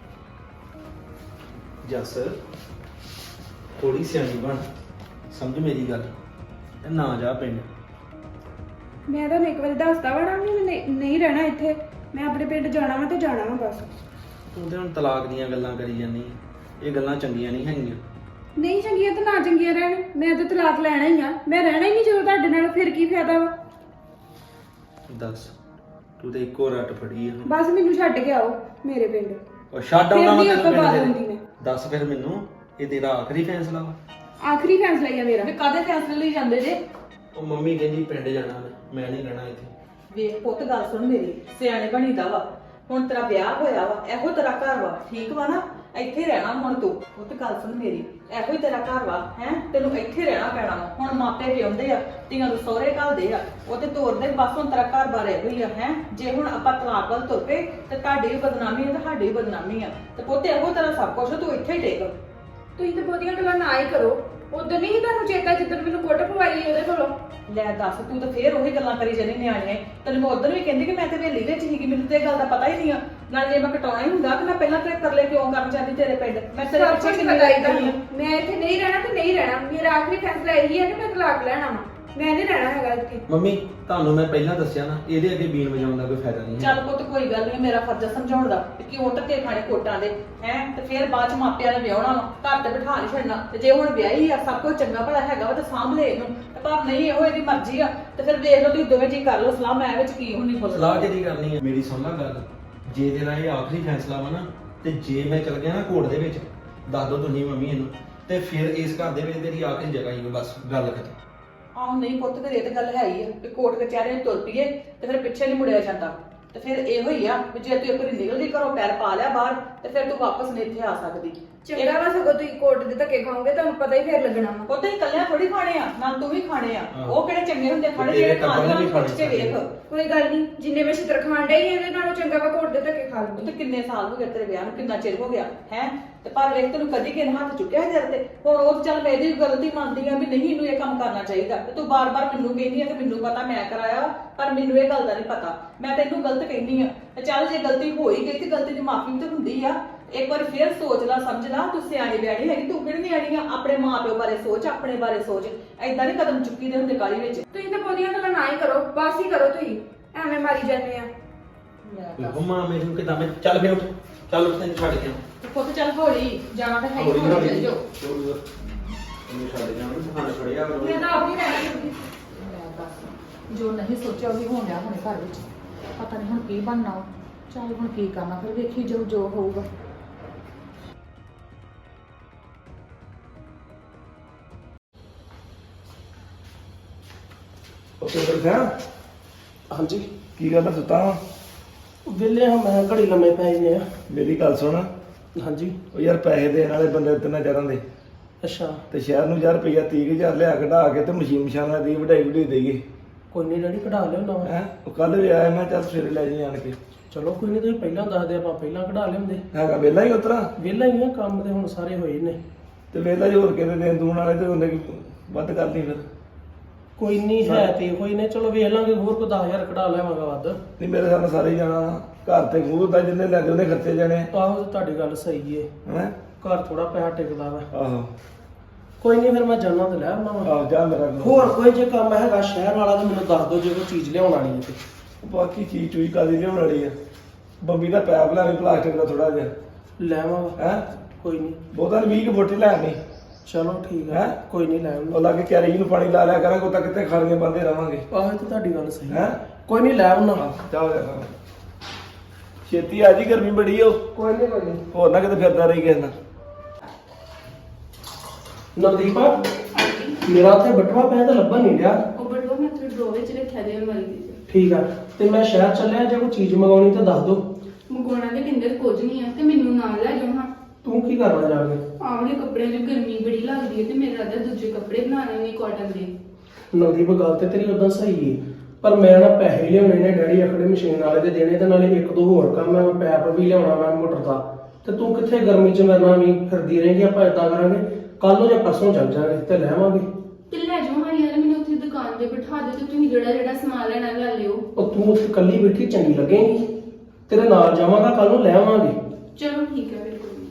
ਜੱਸ ਥੋੜੀ ਸਿਆਣੀ ਬਣ, ਸਮਝ ਮੇਰੀ ਗੱਲ, ਤੇ ਨਾ ਜਾ ਪਿੰਡ।
ਮੈਂ ਤੁਹਾਨੂੰ ਇੱਕ ਵਾਰੀ ਦੱਸਦਾ ਵਾ ਨਾ ਵੀ ਮੈਂ ਨਹੀਂ- ਨਹੀਂ ਰਹਿਣਾ ਇੱਥੇ। ਮੈਂ ਆਪਣੇ ਪਿੰਡ ਜਾਣਾ ਵਾ ਤੇ ਜਾਣਾ ਵਾ ਬਸ।
ਤੂੰ ਤੇ ਹੁਣ ਤਲਾਕ ਦੀਆਂ ਗੱਲਾਂ ਕਰੀ ਜਾਂਦੀ ਹੈ, ਇਹ ਗੱਲਾਂ ਚੰਗੀਆਂ ਨਹੀਂ ਹੈਗੀਆਂ।
ਨਹੀਂ ਚੰਗੀਆਂ ਤਾਂ ਨਾ ਚੰਗੀਆਂ ਰਹਿਣ, ਮੈਂ ਤਾਂ ਤਲਾਕ ਲੈਣਾ ਹੀ ਆ। ਮੈਂ ਰਹਿਣਾ ਹੀ ਨਹੀਂ ਜਦੋਂ ਤੁਹਾਡੇ ਨਾਲ, ਫਿਰ ਕੀ ਫਾਇਦਾ ਵਾ?
ਦੱਸ, ਤੂੰ ਤੇ ਇੱਕੋ ਰੱਟ ਫੜੀ ਹੈ।
ਬਸ ਮੈਨੂੰ ਛੱਡ ਕੇ ਆਓ ਮੇਰੇ ਪਿੰਡ।
ਉਹ ਛੱਡ
ਫਿਰ
ਆਉਣਾ
ਨੀ
ਮੈਂ
ਆਪਾਂ
ਤੈਨੂੰ
ਬਾਤ
ਪਿੰਡ
ਹੁੰਦੀ
ਦੇ।
ਮੈਂ।
ਦੱਸ ਫਿਰ ਮੈਨੂੰ, ਇਹ ਤੇਰਾ ਆਖਰੀ ਫੈਸਲਾ ਵਾ?
ਆਖਰੀ ਫੈਸਲਾ ਹੀ ਆ ਮੇਰਾ।
ਵੀ ਕਾਹਦੇ ਫੈਸਲੇ ਲਈ ਜਾਂਦੇ ਜੇ?
ਉਹ ਮੰਮੀ ਕਹਿੰਦੀ ਪਿੰਡ ਜਾਣਾ ਮੈਂ ਮੈਂ ਨਹੀਂ ਰਹਿਣਾ ਇੱਥੇ।
ਵੇਖ ਪੁੱਤ, ਗੱਲ ਸੁਣ ਮੇਰੀ, ਸਿਆਣੇ ਬਣੀਦਾ ਵਾ। ਹੁਣ ਤੇਰਾ ਵਿਆਹ ਹੋਇਆ ਵਾ, ਇਹੋ ਤੇਰਾ ਘਰ ਵਾ, ਠੀਕ ਵਾ ਨਾ? ਇੱਥੇ ਹੀ ਰਹਿਣਾ ਹੁਣ ਤੂੰ। ਉਹ ਤੇ ਗੱਲ ਸੁਣ ਮੇਰੀ, ਇਹੋ ਹੀ ਤੇਰਾ ਘਰ ਵਾ ਹੈ, ਤੈਨੂੰ ਇੱਥੇ ਰਹਿਣਾ ਪੈਣਾ ਵਾ। ਹੁਣ ਮਾਪੇ ਵੀ ਆਉਂਦੇ ਆ, ਧੀਆਂ ਨੂੰ ਸਹੁਰੇ ਘੱਲਦੇ ਆ, ਉਹ ਤੇ ਤੋਰਦੇ ਬਸ। ਹੁਣ ਤੇਰਾ ਘਰ ਬਾਰ ਇਹੋ ਹੀ ਆ ਹੈ। ਜੇ ਹੁਣ ਆਪਾਂ ਤਲਾਕ ਵੱਲ ਤੁਰ ਪਏ ਤੇ ਤੁਹਾਡੀ ਵੀ ਬਦਨਾਮੀ ਹੈ ਤੇ ਸਾਡੀ ਵੀ ਬਦਨਾਮੀ ਆ। ਤੇ ਪੁੱਤ ਇਹੋ ਤੇਰਾ ਸਭ ਕੁਝ, ਤੂੰ ਇੱਥੇ ਹੀ ਟੇਕ।
ਤੁਸੀਂ ਤੇ ਬਹੁਤੀਆਂ ਗੱਲਾਂ ਨਾ ਹੀ ਕਰੋ। ਉਦੋਂ ਨਹੀਂ ਤੁਹਾਨੂੰ ਚੇਤਾ ਜਿੱਦਣ ਮੈਨੂੰ ਕੁੱਟ ਪਵਾਈ ਉਹਦੇ ਕੋਲੋਂ।
ਲੈ ਦੱਸ, ਤੂੰ ਤਾਂ ਫੇਰ ਉਹੀ ਗੱਲਾਂ ਕਰੀ ਜਾਂਦੀ ਨਿਆਣੀਆਂ। ਤੈਨੂੰ ਮੈਂ ਉਦੋਂ ਵੀ ਕਹਿੰਦੀ ਕਿ ਮੈਂ ਤੇ ਹਵੇਲੀ ਵਿੱਚ ਸੀਗੀ, ਮੈਨੂੰ ਤੇ ਇਹ ਗੱਲ ਦਾ ਪਤਾ ਹੀ ਨਹੀਂ ਆ। ਨਾਲ ਜੇ ਮੈਂ ਕਟਾਉਣਾ ਹੀ ਹੁੰਦਾ ਕਿ ਮੈਂ ਪਹਿਲਾਂ ਤੇ ਕਰਲੇ ਕਿਉਂ ਕਰਨ ਜਾਂਦੀ ਤੇਰੇ ਪਿੰਡ। ਮੈਂ ਤੇਰੇ
ਸਭ
ਪਿੱਛੇ
ਕੁਝ
ਕਿੰਨੀ
ਪਤਾ ਹੀ
ਲੱਗੀ
ਤੁਹਾਨੂੰ।
ਆ।
ਮੈਂ ਇੱਥੇ ਨਹੀਂ ਰਹਿਣਾ ਤੇ ਨਹੀਂ ਰਹਿਣਾ। ਮੇਰਾ ਆਖਰੀ ਫੈਸਲਾ ਇਹੀ ਹੈ ਕਿ ਮੈਂ ਤਲਾਕ ਲੈਣਾ ਵਾ। ਮੈਂ ਨਹੀਂ ਰਹਿਣਾ ਹੈਗਾ ਇੱਥੇ।
ਮੰਮੀ ਤੁਹਾਨੂੰ ਮੈਂ ਪਹਿਲਾਂ ਦੱਸਿਆ ਨਾ, ਇਹਦੇ ਅੱਗੇ ਬੀਨ ਵਜਾਉਣ ਦਾ ਕੋਈ ਫਾਇਦਾ ਨਹੀਂ ਹੈ।
ਚੱਲ ਪੁੱਤ ਕੋਈ ਗੱਲ ਨਹੀਂ, ਮੇਰਾ ਫਰਜ਼ ਆ ਸਮਝਾਉਣ ਦਾ ਕਿ ਕਿਉਂ ਧੱਕੇ ਖਾਣੇ ਕੋਟਾਂ ਦੇ ਹੈ। ਤੇ ਫਿਰ ਬਾਅਦ ਚ ਮਾਪਿਆਂ ਨੇ ਵਿਆਹਣਾ ਵਾ, ਘਰ ਤੇ ਬਿਠਾ ਨਹੀਂ ਛੱਡਣਾ। ਤੇ ਜੇ ਹੁਣ ਵਿਆਹੀ ਆ, ਸਭ ਕੁਝ ਚੰਗਾ ਭਲਾ ਹੈਗਾ ਵਾ ਤੇ ਸਾਂਭ ਲੈ ਇਹਨੂੰ। ਤੇ ਪਰ ਨਹੀਂ, ਇਹੋ ਇਹਦੀ ਮਰਜ਼ੀ ਆ। ਤੇ ਫਿਰ ਵੇਖ ਲਓ ਤੁਸੀਂ ਦੋਵੇਂ ਜੀ ਕਰ ਲਓ ਸਲਾਹ, ਮੈਂ ਵਿੱਚ ਕੀ ਹੁੰਦੀ ਬੋਲ।
ਸਲਾਹ ਕਿਹਦੀ ਕਰਨੀ ਹੈ? ਮੇਰੀ ਸੁਣ ਲੈ ਗੱਲ, ਜੇ ਤੇਰਾ ਇਹ ਆਖਰੀ ਫੈਸਲਾ ਵਾ ਨਾ, ਤੇ ਜੇ ਮੈਂ ਚਲ ਗਿਆ ਨਾ ਕੋਰਟ ਦੇ ਵਿੱਚ, ਦੱਸ ਦੋ ਤੁਸੀਂ ਮੰਮੀ ਇਹਨੂੰ, ਤੇ ਫਿਰ ਇਸ ਘਰ ਦੇ ਵਿੱਚ ਤੇਰੀ ਆਖਰੀ ਜਗ੍ਹਾ ਹੀ ਬਸ, ਗੱਲ ਖਤਮ।
ਆਹ ਨਹੀਂ ਪੁੱਤ, ਫਿਰ ਇਹ ਤੇ ਗੱਲ ਹੈ ਹੀ ਆ ਕਿ ਕੋਰਟ ਕਚਹਿਰੇ ਤੁਰ ਪਈਏ ਤੇ ਫਿਰ ਪਿੱਛੇ ਨਹੀਂ ਮੁੜਿਆ ਜਾਂਦਾ। ਤੇ ਫਿਰ ਇਹੋ ਹੀ ਆ ਵੀ ਜੇ ਤੂੰ ਇੱਕ ਵਾਰੀ ਨਿਕਲਦੀ ਘਰੋਂ, ਪੈਰ ਪਾ ਲਿਆ ਬਾਹਰ, ਤੇ ਫਿਰ ਤੂੰ ਵਾਪਸ ਨਹੀਂ ਇੱਥੇ ਆ ਸਕਦੀ।
ਚੰਗਾ ਵਾ ਸਗੋਂ ਤੁਸੀਂ ਕੋਰਟ ਦੇ ਧੱਕੇ ਖਾਓਗੇ, ਤੁਹਾਨੂੰ ਪਤਾ ਹੀ ਫੇਰ ਲੱਗਣਾ ਵਾ।
ਉਹ ਤਾਂ ਇਕੱਲਿਆਂ ਥੋੜੀ ਖਾਣੇ ਆ, ਨਾਲ ਤੂੰ ਵੀ ਖਾਣੇ ਆ।
ਹਾਂ।
ਉਹ ਕਿਹੜੇ ਚੰਗੇ ਹੁੰਦੇ ਖਾਣੇ,
ਤੇਰੇ
ਜਿਹੜੇ
ਟੱਬਰ ਨੇ
ਖਾਣੇ
ਵੀ
ਆ ਪੁੱਛ ਕੇ
ਖਾਣੇ
ਵੇਖ।
ਕੋਈ ਗੱਲ ਨਹੀਂ, ਜਿੰਨੇ ਮੈਂ ਛਿੱਤਰ ਖਾਣ ਡਈ ਇਹਦੇ ਨਾਲੋਂ ਚੰਗਾ ਵਾ ਕੋਰਟ ਦੇ ਧੱਕੇ ਖਾ
ਉਹ
ਲੂੰਗੀ।
ਤੇ ਕਿੰਨੇ ਸਾਲ ਹੋ ਗਏ ਤੇਰੇ ਵਿਆਹ ਨੂੰ, ਕਿੰਨਾ ਚਿਰ ਹੋ ਗਿਆ ਹੈ। ਤੇ ਪਰ ਵੇਖ ਤੈਨੂੰ ਕਦੀ ਕਿਨ ਹੱਥ ਚੁੱਕਿਆ ਹੈ ਤੇਰੇ ਤੇ। ਹੁਣ ਉਹ ਚੱਲ ਮੈਂ ਇਹਦੀ ਗਲਤੀ ਮੰਨਦੀ ਆ ਵੀ ਨਹੀਂ ਇਹਨੂੰ ਇਹ ਕੰਮ ਕਰਨਾ ਚਾਹੀਦਾ। ਤੇ ਤੂੰ ਬਾਰ-ਬਾਰ ਮੈਨੂੰ ਕਹਿੰਦੀ ਆ ਕਿ ਮੈਨੂੰ ਪਤਾ ਮੈਂ ਕਰਾਇਆ, ਪਰ ਮੈਨੂੰ ਇਹ ਗੱਲ ਦਾ ਨਹੀਂ ਪਤਾ। ਮੈਂ ਤੈਨੂੰ ਗਲਤ ਕਹਿੰਦੀ ਆ। ਤੇ ਚੱਲ ਜੇ ਗਲਤੀ ਹੋਈ ਗਈ ਤੇ ਗਲਤੀ ਦੀ ਮਾਫੀ ਵੀ ਤਾਂ ਹੁੰਦੀ ਆ। ਇੱਕ ਵਾਰ ਫੇਰ ਸੋਚ ਲੈ, ਸਮਝ ਲੈ, ਤੂੰ ਸਿਆਣੀ ਬਿਆਣੀ ਹੈਗੀ, ਤੂੰ ਕਿਹੜੀ ਨਿਆਣੀ ਆ। ਆਪਣੇ ਮਾਪਿਓ ਬਾਰੇ ਸੋਚ, ਆਪਣੇ ਬਾਰੇ ਸੋਚ। ਐਦਾਂ ਨਹੀਂ ਕਦਮ ਚੁੱਕੀ ਦੇ ਹੁੰਦੇ ਕਾਹਲੀ ਵਿੱਚ।
ਤੁਸੀਂ ਤਾਂ ਬਹੁਤੀਆਂ ਗੱਲਾਂ ਨਾ ਹੀ ਕਰੋ, ਬਸ ਹੀ ਕਰੋ। ਤੁਸੀਂ ਐਵੇਂ ਮਾਰੀ ਜਾਂਦੇ ਆ।
ਮੰਮਾ ਮੈਨੂੰ ਕਿਦਾਂ ਮੈਂ ਚੱਲ ਫਿਰ ਉੱਠ, ਚੱਲ ਉੱਠ, ਤੈਨੂੰ ਛੱਡ ਕੇ ਆਵਾਂ।
ਪੁੱਤ ਚੱਲ ਹੌਲੀ ਜਾਣਾ ਤਾਂ ਹੈ ਹੀ,
ਹੌਲੀ
ਹੌਲੀ
ਹੌਲੀ
ਚੱਲ ਜਾਓ।
ਤੈਨੂੰ ਛੱਡ ਕੇ ਆਵਾਂ, ਖਾਣਾ ਛੜਿਆ ਕਰੋ।
ਮੈਂ ਤਾਂ ਆਪ ਨਹੀਂ ਰਹਿਣਾ ਚਾਹੁੰਦੀ।
ਲੈ ਦੱਸ, ਜੋ ਨਹੀਂ ਸੋਚਿਆ ਉਹ ਵੀ ਹੋਣ ਡਿਆ ਹੁਣੇ ਘਰ ਵਿੱਚ। ਪਤਾ ਨਹੀਂ ਹੁਣ ਕੀ ਬਣਨਾ ਵਾ। ਚੱਲ ਹੁਣ ਕੀ ਕਰਨਾ, ਫਿਰ ਵੇਖੀ ਜਾਊ ਜੋ ਹੋਊਗਾ।
ਉੱਥੇ ਬੈਠਾ
ਹਾਂਜੀ,
ਕੀ ਗੱਲ ਆ, ਸੁੱਤਾ ਵਾਂ?
ਵਿਹਲੇ ਹਾਂ, ਮੈਂ ਘੜੀ ਲੰਮੇ ਪੈ ਜਾਂਦੇ ਆ।
ਮੇਰੀ ਗੱਲ ਸੁਣ,
ਹਾਂਜੀ।
ਉਹ ਯਾਰ ਪੈਸੇ ਦੇਣ ਵਾਲੇ ਬੰਦੇ ਤਿੰਨਾਂ ਚਾਰਾਂ ਦੇ,
ਅੱਛਾ,
ਤੇ ਸ਼ਹਿਰ ਨੂੰ ਯਾਰ ਰੁਪਈਆ ਤੀਹ ਹਜ਼ਾਰ ਲਿਆ ਕਢਾ ਕੇ ਤੇ ਮਸ਼ੀਨ ਮਸ਼ਾਨਾਂ ਦੀ ਵਢਾਈ ਵਢਾਈ ਦੇਈਏ
ਕੋਈ ਨਹੀਂ ਡੈਡੀ, ਕਢਾ ਲਿਓ ਨਾ।
ਹੈ। ਉਹ ਕੱਲ ਵੀ ਆਇਆ, ਮੈਂ ਚੱਲ ਸਵੇਰੇ ਲੈ ਜੀ ਆਣ ਕੇ।
ਚਲੋ ਕੋਈ ਨਹੀਂ, ਤੁਸੀਂ ਪਹਿਲਾਂ ਦੱਸ ਦਿਓ, ਆਪਾਂ ਪਹਿਲਾਂ ਕਢਾ ਲਿਆਉਂਦੇ।
ਹੈਗਾ ਵਿਹਲਾ ਹੀ ਉਤਰਾ,
ਵਿਹਲਾ ਹੀ ਆ, ਕੰਮ ਤੇ ਹੁਣ ਸਾਰੇ ਹੋਏ ਨੇ।
ਤੇ ਵਿਹਲਾ ਹੀ ਹੋਰ ਕਿਤੇ ਦੇਣ ਦੂਣ ਵਾਲੇ ਤੇ ਉਹਨੇ ਵੱਧ ਕਰਨੀ ਫਿਰ।
ਕੋਈ ਨਹੀਂ, ਹੈ ਤੇ ਕੋਈ ਨੇ, ਚਲੋ ਵੇਖ ਲਾਂਗੇ, ਹੋਰ ਕੋਈ ਦਸ ਹਜ਼ਾਰ ਕਢਾ ਲਿਆਵਾਂਗਾ ਵੱਧ।
ਨਹੀਂ ਮੇਰੇ ਸਾਹਮਣੇ ਸਾਰੇ ਹੀ ਜਾਣਾ, ਘਰ ਤੇ ਖੂਹ ਦਾ ਜਿੰਨੇ ਲੈਂਦੇ ਉਹਨੇ ਖਰਚੇ ਜਾਣੇ।
ਆਹੋ, ਤੇ ਤੁਹਾਡੀ ਗੱਲ ਸਹੀ ਏ,
ਹੈ।
ਘਰ ਥੋੜਾ ਪੈਸਾ ਟਿਕਦਾ ਵਾ।
ਆਹੋ
ਕੋਈ ਨਹੀਂ, ਫਿਰ ਮੈਂ ਜਾਣਾ ਤੇ ਲੈ ਆਉਣਾ ਵਾ।
ਆਹ ਜਾ ਮੇਰਾ ਕੰਮ।
ਹੋਰ ਕੋਈ ਜੇ ਕੰਮ ਹੈਗਾ ਸ਼ਹਿਰ ਵਾਲਾ ਤਾਂ ਮੈਨੂੰ ਦੱਸ ਦਿਓ, ਜੇ ਕੋਈ ਚੀਜ਼ ਲਿਆਉਣ ਵਾਲੀ ਹੈ ਤੇ।
ਬਾਕੀ ਚੀਜ਼ ਚੂਈ ਕਾਦੀ ਲਿਆਉਣ ਵਾਲੀ ਆ? ਬੰਬੀ ਦਾ ਪੈਪ ਲੈ ਲਈ ਪਲਾਸਟਿਕ ਦਾ ਥੋੜਾ ਜਿਹਾ,
ਲੈ ਆਵਾਂਗਾ,
ਹੈ।
ਕੋਈ ਨਹੀਂ।
ਬਹੁਤਾਂ ਨੇ ਵੀਹ ਕੁ ਫੁੱਟ ਹੀ ਲੈ ਆਣੀ।
ਚਲੋ ਠੀਕ ਹੈ,
ਹੈਂ?
ਕੋਈ ਨਹੀਂ, ਲੈ ਆਉਣਾ।
ਉਹ ਲਾ ਕੇ ਕੈਰੀ ਨੂੰ ਪਾਣੀ ਲਾ ਲਿਆ ਕਰਾਂਗੇ, ਉਹ ਤਾਂ ਕਿਤੇ ਖਾਣੀਆਂ ਬੰਦੇ ਰਵਾਂਗੇ।
ਆਹੋ, ਇਹ ਤਾਂ ਤੁਹਾਡੀ ਗੱਲ ਸਹੀ ਹੈ।
ਹੈਂ?
ਕੋਈ ਨਹੀਂ, ਲੈ ਆਉਣਾ।
ਚਾਹ ਲੈ ਛੇਤੀ ਆ ਜੀ, ਗਰਮੀ ਬੜੀ ਓ।
ਕੋਈ ਨਹੀਂ, ਕੋਈ ਨਹੀਂ।
ਹੋਰ ਨਾ ਕਿਤੇ ਫਿਰਦਾ ਰਹੀ ਕਿਸੇ ਨਾਲ।
ਨਵਦੀਪ, ਮੇਰਾ ਉੱਥੇ ਬਟਵਾ ਪਿਆ ਤਾਂ ਲੱਭਣ ਨਹੀਂ ਰਿਹਾ।
ਉਹ ਬਟੂਆ ਮੈਂ ਉੱਥੇ ਡਰੋ ਵਿੱਚ ਰੱਖਿਆ ਦੇ ਅਲਮਾਰੀ ਦੇ ਵਿੱਚ।
ਠੀਕ ਆ, ਤੇ ਮੈਂ ਸ਼ਹਿਰ ਚੱਲਿਆ, ਜੇ ਕੋਈ ਚੀਜ਼ ਮੰਗਾਉਣੀ ਤਾਂ ਦੱਸ ਦਿਓ।
ਮੰਗਵਾਉਣਾ ਦੇ ਕਿੰਦਰ ਕੁਝ ਨਹੀਂ ਆ, ਤੇ ਮੈਨੂੰ ਨਾਲ ਲੈ ਜਾਓ ਹਾਂ।
ਤੂੰ ਕੀ ਕਰਨਾ ਜਾ ਕੇ?
ਆਵਲੇ ਕੱਪੜਿਆਂ ਦੀ ਗਰਮੀ ਬੜੀ ਲੱਗਦੀ ਹੈ, ਤੇ ਮੇਰੇ ਰਾਦਾ ਦੂਜੇ ਕੱਪੜੇ ਬਣਾਉਣੇ ਨੇ ਕਾਟਨ ਦੇ।
ਨਵਦੀਪ, ਗੱਲ ਤੇ ਤੇਰੀ ਉਦਾਂ ਸਹੀ ਏ, ਪਰ ਮੈਂ ਨਾ ਪੈਸੇ ਲਿਆਉਣੇ ਨੇ, ਡੈਡੀ ਆਖੜੇ ਮਸ਼ੀਨ ਵਾਲੇ ਦੇ ਦੇਣੇ, ਤੇ ਨਾਲੇ ਇੱਕ ਦੋ ਹੋਰ ਕੰਮ ਹੈ, ਮੈਂ ਪੈਪ ਵੀ ਲਿਆਉਣਾ ਮੈਂ ਮੋਟਰ ਦਾ। ਤੇ ਤੂੰ ਕਿੱਥੇ ਗਰਮੀ 'ਚ ਮੇਰੇ ਨਾਲ ਵੀ ਫਿਰਦੀ ਰਹੇਂਗੀ? ਆਪਾਂ ਏਦਾਂ ਕਰਾਂਗੇ, ਕੱਲ ਨੂੰ ਜਾਂ ਪਰਸੋਂ ਚੱਲ ਜਾਾਂਗੇ ਤੇ ਲੈ ਆਵਾਂਗੇ।
ਤੇ ਲੈ ਜਾਓ ਹਾਂ ਯਾਰ, ਮੈਨੂੰ ਉੱਥੇ ਦੁਕਾਨ ਤੇ ਬਿਠਾ ਦਿਓ, ਤੇ ਤੁਸੀਂ ਜਿਹੜਾ ਜਿਹੜਾ ਸਮਾਨ ਲੈਣਾ ਲੈ ਲਿਓ।
ਉਹ ਤੂੰ ਉੱਥੇ ਇਕੱਲੀ ਬੈਠੀ ਚੰਗੀ ਲੱਗੇਗੀ, ਤੇਰੇ ਨਾਲ ਜਾਵਾਂਗਾ, ਕੱਲ ਨੂੰ ਲੈ ਆਵਾਂਗੇ।
ਚਲੋ ਠੀਕ ਹੈ, ਬਿਲਕੁਲ।